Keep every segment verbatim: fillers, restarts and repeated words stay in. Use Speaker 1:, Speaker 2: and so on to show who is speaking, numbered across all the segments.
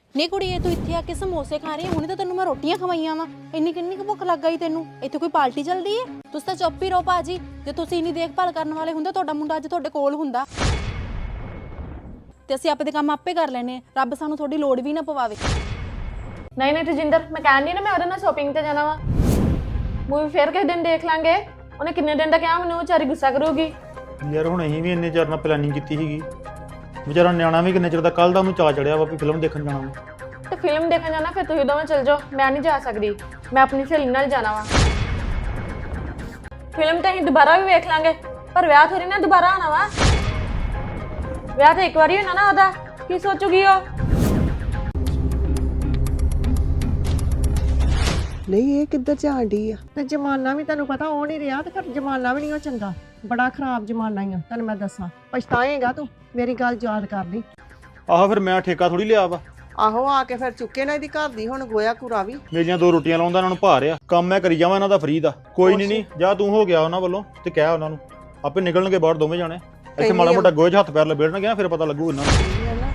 Speaker 1: ਨੀ ਕੁੜੀਏ ਤੂੰ ਇੱਥੇ ਆ ਕੇ ਸਮੋਸੇ ਖਾ ਰਹੀ ਹੈ, ਹੁਣੇ ਤਾਂ ਤੈਨੂੰ ਮੈਂ ਰੋਟੀਆਂ ਖਵਾਈਆਂ ਵਾ। ਇੰਨੀ ਕਿੰਨੀ ਕੁ ਭੁੱਖ ਲੱਗ ਗਈ ਤੈਨੂੰ? ਇੱਥੇ ਕੋਈ ਪਾਰਟੀ ਚੱਲਦੀ ਹੈ? ਤੁਸੀਂ ਤਾਂ ਚੁੱਪ ਹੀ ਰਹੋ ਭਾਜੀ। ਜੇ ਤੁਸੀਂ ਇੰਨੀ ਦੇਖਭਾਲ ਕਰਨ ਵਾਲੇ ਹੁੰਦੇ ਤੁਹਾਡਾ ਮੁੰਡਾ ਅੱਜ ਤੁਹਾਡੇ ਕੋਲ ਹੁੰਦਾ ਤੇ ਅਸੀਂ ਆਪਣੇ ਕੰਮ ਆਪੇ ਕਰ ਲੈਨੇ। ਰੱਬ ਸਾਨੂੰ ਤੁਹਾਡੀ ਲੋੜ ਵੀ ਨਾ ਪਵਾਵੇ।
Speaker 2: ਨਹੀਂ ਨਹੀਂ ਤੇਜਿੰਦਰ, ਮੈਂ ਕਹਿੰਦੀ ਨਾ ਮੈਂ ਉਹਦੇ ਨਾਲ ਸ਼ੋਪਿੰਗ ਤੇ ਜਾਣਾ ਵਾ। ਮੂਵੀ ਫੇਰ ਕਿਸੇ ਦਿਨ ਦੇਖ ਲਾਂਗੇ। ਉਹਨੇ ਕਿੰਨੇ ਦਿਨ ਦਾ ਕਿਹਾ, ਮੈਨੂੰ ਵਿਚਾਰੀ ਗੁੱਸਾ ਕਰੂਗੀ।
Speaker 3: ਯਾਰ ਹੁਣ ਅਸੀਂ ਵੀ ਇੰਨੇ ਚਿਰ ਨਾਲ ਪਲੈਨਿੰਗ ਕੀਤੀ ਸੀਗੀ। ਵਿਚਾਰਾ ਨਿਆਣਾ ਵੀ ਕਿੰਨੇ ਚਿਰ ਦਾ ਕੱਲ ਦਾ ਉਹਨੂੰ ਚਾਅ ਚੜਿਆ ਵਾ ਵੀ ਫਿਲਮ ਦੇਖਣ ਜਾਣਾ ਵਾ।
Speaker 2: ਤੇ ਫਿਲਮ ਦੇਖਣ ਜਾਣਾ ਫਿਰ ਤੁਸੀਂ ਦੋਵੇਂ ਚੱਲ ਜਾਓ, ਮੈਂ ਨਹੀਂ ਜਾ ਸਕਦੀ। ਮੈਂ ਆਪਣੀ ਸਹੇਲੀ ਨਾਲ ਜਾਣਾ ਵਾ। ਫਿਲਮ ਤਾਂ ਅਸੀਂ ਦੁਬਾਰਾ ਵੀ ਵੇਖ ਲਾਂਗੇ, ਪਰ ਵਿਆਹ ਥੋੜੀ ਨਾ ਦੁਬਾਰਾ ਆਣਾ ਵਾ। ਵਿਆਹ ਤਾਂ ਇੱਕ ਵਾਰੀ ਹੋਣਾ ਨਾ ਉਹਦਾ, ਕੀ ਸੋਚੂਗੀ ਉਹ?
Speaker 4: ਨਹੀਂ ਇਹ ਕਿੱਧਰ ਜਾਣ ਡਈ ਆ? ਤੇ ਜ਼ਮਾਨਾ ਵੀ ਤੁਹਾਨੂੰ ਪਤਾ ਉਹ ਨਹੀਂ ਰਿਹਾ, ਤੇ ਫਿਰ ਜ਼ਮਾਨਾ ਵੀ ਨਹੀਂ ਉਹ ਚੰਗਾ। ਬੜਾ ਖਰਾਬ ਜ਼ਮਾਨਾ ਹੀ ਆ, ਤੈਨੂੰ ਮੈਂ ਦੱਸਾਂ। ਪਛਤਾਏਗਾ ਤੂੰ, ਮੇਰੀ ਗੱਲ ਯਾਦ ਕਰ ਲਈ।
Speaker 3: ਆਹੋ ਫਿਰ ਮੈਂ ਠੇਕਾ ਥੋੜੀ ਲਿਆ ਵਾ।
Speaker 4: ਆਹੋ ਆ ਕੇ ਫਿਰ ਚੁੱਕੇ ਨਾ ਇਹਦੀ ਘਰ ਦੀ ਹੁਣ ਗੋਇਆ ਕੂੜਾ ਵੀ।
Speaker 3: ਮੇਰੀਆਂ ਦੋ ਰੋਟੀਆਂ ਲਾਉਂਦਾ ਇਹਨਾਂ ਨੂੰ ਭਾਰ ਆ। ਕੰਮ ਮੈਂ ਕਰੀ ਜਾਵਾਂ ਇਹਨਾਂ ਦਾ ਫਰੀ ਦਾ। ਕੋਈ ਨਹੀਂ ਨਹੀਂ ਜਾ ਤੂੰ ਹੋ ਗਿਆ ਉਹਨਾਂ ਵੱਲੋਂ ਤੇ ਕਹਿ ਉਹਨਾਂ ਨੂੰ ਆਪੇ ਨਿਕਲਣਗੇ ਬਾਹਰ ਦੋਵੇਂ ਜਾਣੇ। ਇੱਥੇ ਮਾੜਾ ਮੋਟਾ ਗੋਏ 'ਚ ਹੱਥ ਪੈਰ ਲਬੇੜਨਗੇ ਨਾ, ਫਿਰ ਪਤਾ ਲੱਗੂ ਇਹਨਾਂ ਨੂੰ।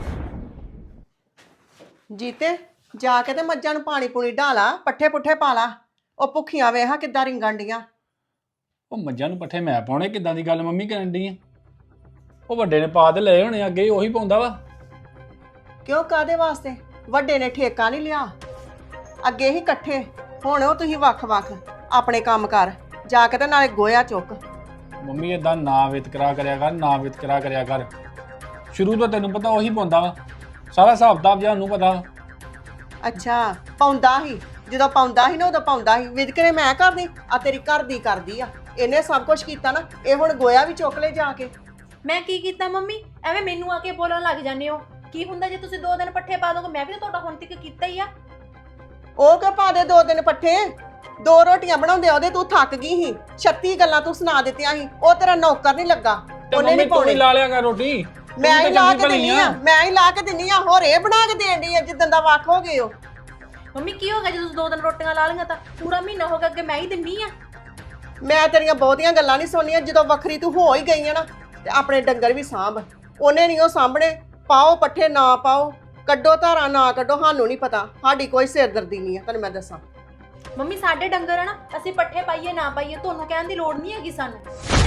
Speaker 4: ਜੀਤੇ ਜਾ ਕੇ ਤੇ ਮੱਝਾਂ ਨੂੰ ਪਾਣੀ ਪੂਣੀ ਢਾਲਾ, ਪੱਠੇ ਪੁੱਠੇ ਪਾ ਲਾ। ਉਹ ਭੁੱਖੀਆਂ ਵੇਹਾ ਕਿੱਦਾਂ ਰਿੰਗਣ ਡੀਆਂ।
Speaker 5: ਉਹ ਮੱਝਾਂ ਨੂੰ ਪੱਠੇ ਮੈਂ ਪਾਉਣੇ? ਕਿੱਦਾਂ ਦੀ ਗੱਲ ਮੰਮੀ ਕਰਨ ਡਈ ਆ? ਉਹ ਵੱਡੇ ਨੇ ਪਾ ਤੇ ਲਏ ਹੋਣੇ, ਅੱਗੇ ਉਹੀ ਪਾਉਂਦਾ ਵਾ।
Speaker 4: ਕਿਉਂ ਕਾਦੇ ਵਾਸਤੇ? ਵੱਡੇ ਨੇ ਠੇਕਾ ਨਹੀਂ ਲਿਆ, ਅੱਗੇ ਹੀ ਇਕੱਠੇ। ਹੁਣ ਉਹ ਤੁਸੀਂ ਵੱਖ-ਵੱਖ ਆਪਣੇ ਕੰਮ ਕਰ। ਜਾ ਕੇ ਤੇ ਨਾਲੇ ਗੋਇਆ ਚੁੱਕ।
Speaker 5: ਮੰਮੀ ਏਦਾਂ ਨਾ ਵਿਤਕਰਾ ਕਰਿਆ ਕਰ, ਨਾ ਵਿਤਕਰਾ ਕਰਿਆ ਕਰ। ਸ਼ੁਰੂ ਤੋਂ ਤੈਨੂੰ ਪਤਾ ਉਹੀ ਪਾਉਂਦਾ ਵਾ, ਸਾਰਾ ਹਿਸਾਬ ਕਿਤਾਬ ਜਿਹਾ ਉਹਨੂੰ ਪਤਾ ਵਾ।
Speaker 4: ਅੱਛਾ ਪਾਉਂਦਾ ਹੀ, ਜਦੋਂ ਪਾਉਂਦਾ ਸੀ ਨਾ ਉਦੋਂ ਪਾਉਂਦਾ ਸੀ। ਵਿਦਕਰੇ ਮੈਂ ਕਰਦੀ ਆ, ਤੇਰੀ ਘਰ ਦੀ ਕਰਦੀ ਆ। ਇਹਨੇ ਸਭ ਕੁਝ ਕੀਤਾ ਨਾ, ਇਹ ਹੁਣ ਗੋਇਆ ਵੀ ਚੁੱਕ ਲੈ ਜਾ ਕੇ।
Speaker 1: ਮੈਂ ਕੀ ਕੀਤਾ ਮੰਮੀ? ਐਵੇਂ ਮੈਨੂੰ ਆ ਕੇ ਬੋਲਣ ਲੱਗ ਜਾਂਦੇ ਹੋ। ਕੀ ਹੁੰਦਾ ਜੇ ਤੁਸੀਂ ਦੋ ਦਿਨ ਪੱਠੇ ਪਾ ਦੋਗੇ? ਮੈਂ ਵੀ ਤਾਂ ਤੁਹਾਡਾ ਹੁਣ ਤੱਕ ਕੀਤਾ ਹੀ ਆ।
Speaker 4: ਉਹ ਕਿ ਪਾ ਦੇ ਦੋ ਦਿਨ ਪੱਠੇ। ਦੋ ਰੋਟੀਆਂ ਬਣਾਉਂਦੇ ਉਹਦੇ ਤੂੰ ਥੱਕ ਗਈ ਸੀ। ਛੱਤੀ ਗੱਲਾਂ ਤੂੰ ਸੁਣਾ ਦਿੱਤੀਆਂ ਸੀ। ਉਹ ਤੇਰਾ ਨੌਕਰ ਨਹੀਂ ਲੱਗਾ, ਉਹਨੇ ਨਹੀਂ ਪਾਉਣੀ।
Speaker 5: ਲਾ ਲਿਆ ਕਰ ਰੋਟੀ।
Speaker 4: ਮੈਂ ਹੀ ਲਾ ਕੇ ਦਿੰਨੀ ਆ, ਮੈਂ ਹੀ ਲਾ ਕੇ ਦਿੰਨੀ ਆ। ਹੋਰ ਇਹ ਬਣਾ ਕੇ ਦੇਣ ਡਈ ਆ ਜਿੱਦਾਂ ਦਾ ਵੱਖ ਹੋ ਗਏ ਹੋ।
Speaker 1: ਮੰਮੀ ਕੀ ਹੋ ਗਿਆ ਜੇ ਤੁਸੀਂ ਦੋ ਦਿਨ ਰੋਟੀਆਂ ਲਾ ਲਈਆਂ ਤਾਂ? ਪੂਰਾ ਮਹੀਨਾ ਹੋ ਗਿਆ ਅੱਗੇ ਮੈਂ ਹੀ ਦਿੰਨੀ ਆ।
Speaker 4: ਮੈਂ ਤੇਰੀਆਂ ਬਹੁਤੀਆਂ ਗੱਲਾਂ ਨਹੀਂ ਸੁਣਨੀਆਂ। ਜਦੋਂ ਵੱਖਰੀ ਤੂੰ ਹੋ ਹੀ ਗਈ ਆ ਨਾ, ਤੇ ਆਪਣੇ ਡੰਗਰ ਵੀ ਸਾਂਭ। ਉਹਨੇ ਨਹੀਂ ਉਹ ਸਾਂਭਣੇ। ਪਾਓ ਪੱਠੇ ਨਾ ਪਾਓ, ਕੱਢੋ ਧਾਰਾਂ ਨਾ ਕੱਢੋ, ਸਾਨੂੰ ਨਹੀਂ ਪਤਾ। ਸਾਡੀ ਕੋਈ ਸਿਰਦਰਦੀ ਨਹੀਂ ਆ, ਤੈਨੂੰ ਮੈਂ ਦੱਸਾਂ।
Speaker 1: ਮੰਮੀ ਸਾਡੇ ਡੰਗਰ ਆ ਨਾ, ਅਸੀਂ ਪੱਠੇ ਪਾਈਏ ਨਾ ਪਾਈਏ ਤੁਹਾਨੂੰ ਕਹਿਣ ਦੀ ਲੋੜ ਨਹੀਂ ਹੈਗੀ ਸਾਨੂੰ।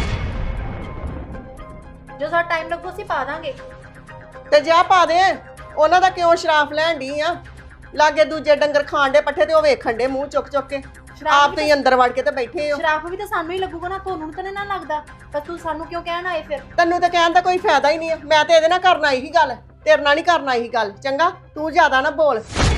Speaker 1: ਜੋ ਸਾਡਾ ਟਾਈਮ ਲੱਗੂ ਅਸੀਂ ਪਾ ਦਾਂਗੇ।
Speaker 4: ਤੇ ਜਾ ਪਾ ਦੇ। ਉਹਨਾਂ ਦਾ ਕਿਉਂ ਸ਼ਰਾਫ ਲੈਣ ਡਈ ਆ? ਲਾਗੇ ਦੂਜੇ ਡੰਗਰ ਖਾਣ ਦੇ ਪੱਠੇ ਤੇ ਉਹ ਵੇਖਣ ਦੇ ਮੂੰਹ ਚੁੱਕ ਚੁੱਕ ਕੇ। ਆਪ ਤੁਸੀਂ ਅੰਦਰ ਵੜ ਕੇ ਤੇ ਬੈਠੇ ਹੋ।
Speaker 1: ਸ਼ਰਾਫ ਵੀ ਤਾਂ ਸਾਨੂੰ ਹੀ ਲੱਗੂਗਾ ਨਾ, ਤੁਹਾਨੂੰ ਤਾਂ ਨਾ ਲੱਗਦਾ। ਪਰ ਤੂੰ ਸਾਨੂੰ ਕਿਉਂ ਕਹਿਣ ਆਏ ਫਿਰ?
Speaker 4: ਤੈਨੂੰ ਤਾਂ ਕਹਿਣ ਦਾ ਕੋਈ ਫਾਇਦਾ ਹੀ ਨਹੀਂ ਆ। ਮੈਂ ਤੇ ਇਹਦੇ ਨਾਲ ਕਰਨਾ ਇਹੀ ਗੱਲ, ਤੇਰੇ ਨਾਲ ਨਹੀਂ ਕਰਨਾ ਇਹੀ ਗੱਲ। ਚੰਗਾ ਤੂੰ ਜ਼ਿਆਦਾ ਨਾ ਬੋਲ।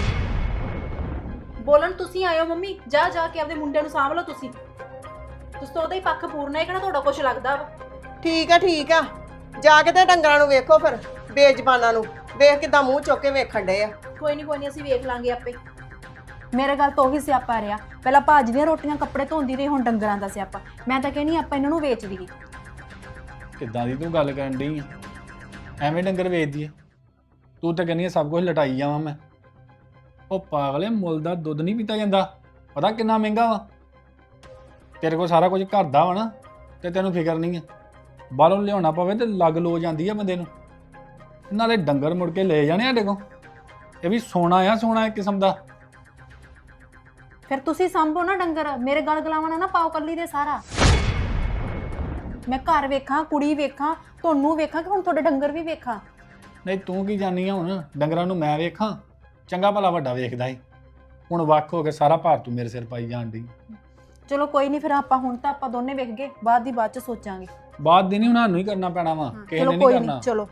Speaker 1: ਬੋਲਣ ਤੁਸੀਂ ਆਇਓ ਮੰਮੀ। ਜਾ ਜਾ ਕੇ ਆਪਦੇ ਮੁੰਡੇ ਨੂੰ ਸਾਂਭ ਲਓ ਤੁਸੀਂ। ਤੁਸੀਂ ਤਾਂ ਉਹਦਾ ਹੀ ਪੱਖ ਪੂਰਨਾ ਹੈ, ਕਿਹੜਾ ਤੁਹਾਡਾ ਕੁਝ ਲੱਗਦਾ ਵਾ।
Speaker 4: ਠੀਕ ਆ ਠੀਕ ਆ, ਜਾ ਕੇ ਤੇ ਡੰਗਰਾਂ ਨੂੰ ਵੇਖੋ ਫਿਰ। ਬੇਜ਼ਬਾਨਾਂ ਨੂੰ ਵੇਖ ਕਿਦਾਂ ਮੂੰਹ ਚੁੱਕ ਕੇ ਵੇਖਣ ਡੇ ਆ।
Speaker 1: ਕੋਈ ਨਹੀਂ ਕੋਈ ਨਹੀਂ, ਅਸੀਂ ਵੇਖ ਲਾਂਗੇ ਆਪੇ। ਮੇਰੇ ਗੱਲ ਤੋਂ ਉਹੀ ਸਿਆਪਾ ਰਿਹਾ। ਪਹਿਲਾਂ ਭਾਜੀ ਦੀਆਂ ਰੋਟੀਆਂ ਕੱਪੜੇ ਧੋਂਦੀ ਰਹੀ, ਹੁਣ ਡੰਗਰਾਂ ਦਾ ਸਿਆਪਾ। ਮੈਂ ਤਾਂ ਕਹਿੰਦੀ ਆਪਾਂ ਇਹਨਾਂ ਨੂੰ ਵੇਚ ਦਈਏ।
Speaker 5: ਕਿੱਦਾਂ ਦੀ ਤੂੰ ਗੱਲ ਕਰਨ ਡਈ ਆ? ਐਵੇਂ ਡੰਗਰ ਵੇਚਦੀ ਆ? ਤੂੰ ਤਾਂ ਕਹਿੰਦੀ ਆ ਸਭ ਕੁਝ ਲਟਾਈ ਜਾਵਾਂ ਮੈਂ। ਉਹ ਪਾਗਲੇ, ਮੁੱਲ ਦਾ ਦੁੱਧ ਨਹੀਂ ਪੀਤਾ ਜਾਂਦਾ। ਪਤਾ ਕਿੰਨਾ ਮਹਿੰਗਾ ਵਾ? ਤੇਰੇ ਕੋਲ ਸਾਰਾ ਕੁਝ ਘਰ ਦਾ ਵਾ ਨਾ, ਤੇ ਤੈਨੂੰ ਫਿਕਰ ਨਹੀਂ ਆ। ਬਾਹਰੋਂ ਲਿਆਉਣਾ ਪਵੇ ਤੇ ਲੱਗ ਲੋ ਜਾਂਦੀ ਆ ਬੰਦੇ ਨੂੰ। ਨਾਲੇ ਡੰਗਰ ਮੁੜ ਕੇ ਲੈ ਜਾਣੇ ਸਾਡੇ ਕੋਲ। ਇਹ ਵੀ ਸੋਨਾ ਆ, ਸੋਨਾ ਇੱਕ ਕਿਸਮ ਦਾ।
Speaker 1: ਫਿਰ ਤੁਸੀਂ ਸੰਭੋ ਨਾ ਡੰਗਰ। ਮੇਰੇ ਗਲ ਗਲਾਵਣਾ ਨਾ ਪਾਓ ਕੱਲੀ ਦੇ ਸਾਰਾ। ਮੈਂ ਘਰ ਵੇਖਾਂ, ਕੁੜੀ ਵੇਖਾਂ, ਤੁਹਾਨੂੰ ਵੇਖਾਂ, ਕਿ ਹੁਣ ਤੁਹਾਡੇ ਡੰਗਰ ਵੀ ਵੇਖਾਂ।
Speaker 5: ਨਹੀਂ ਤੂੰ ਕੀ ਜਾਣੀ ਆ ਹੁਣ? ਡੰਗਰਾਂ ਨੂੰ ਮੈਂ ਵੇਖਾਂ? ਚੰਗਾ ਭਲਾ ਵੱਡਾ ਵੇਖਦਾ ਸੀ, ਹੁਣ ਵੱਖ ਹੋ ਕੇ ਸਾਰਾ ਭਾਰ ਤੂੰ ਮੇਰੇ ਸਿਰ ਪਾਈ ਜਾਣ ਡਈ।
Speaker 1: ਚਲੋ ਕੋਈ ਨਹੀਂ, ਫਿਰ ਆਪਾਂ ਹੁਣ ਤਾਂ ਆਪਾਂ ਦੋਨੇ ਵੇਖ ਗਏ, ਬਾਅਦ ਦੀ ਬਾਅਦ ਚ ਸੋਚਾਂਗੇ।
Speaker 5: ਬਾਅਦ ਦੀ ਨਹੀਂ, ਹੁਣ ਸਾਨੂੰ ਹੀ ਕਰਨਾ ਪੈਣਾ ਵਾ, ਕਿਸੇ
Speaker 1: ਚਲੋ
Speaker 5: ਨੇ
Speaker 1: ਕੋਈ
Speaker 5: ਨਹੀਂ
Speaker 1: ਨਹੀਂ,
Speaker 5: ਕਰਨਾ।
Speaker 1: ਚਲੋ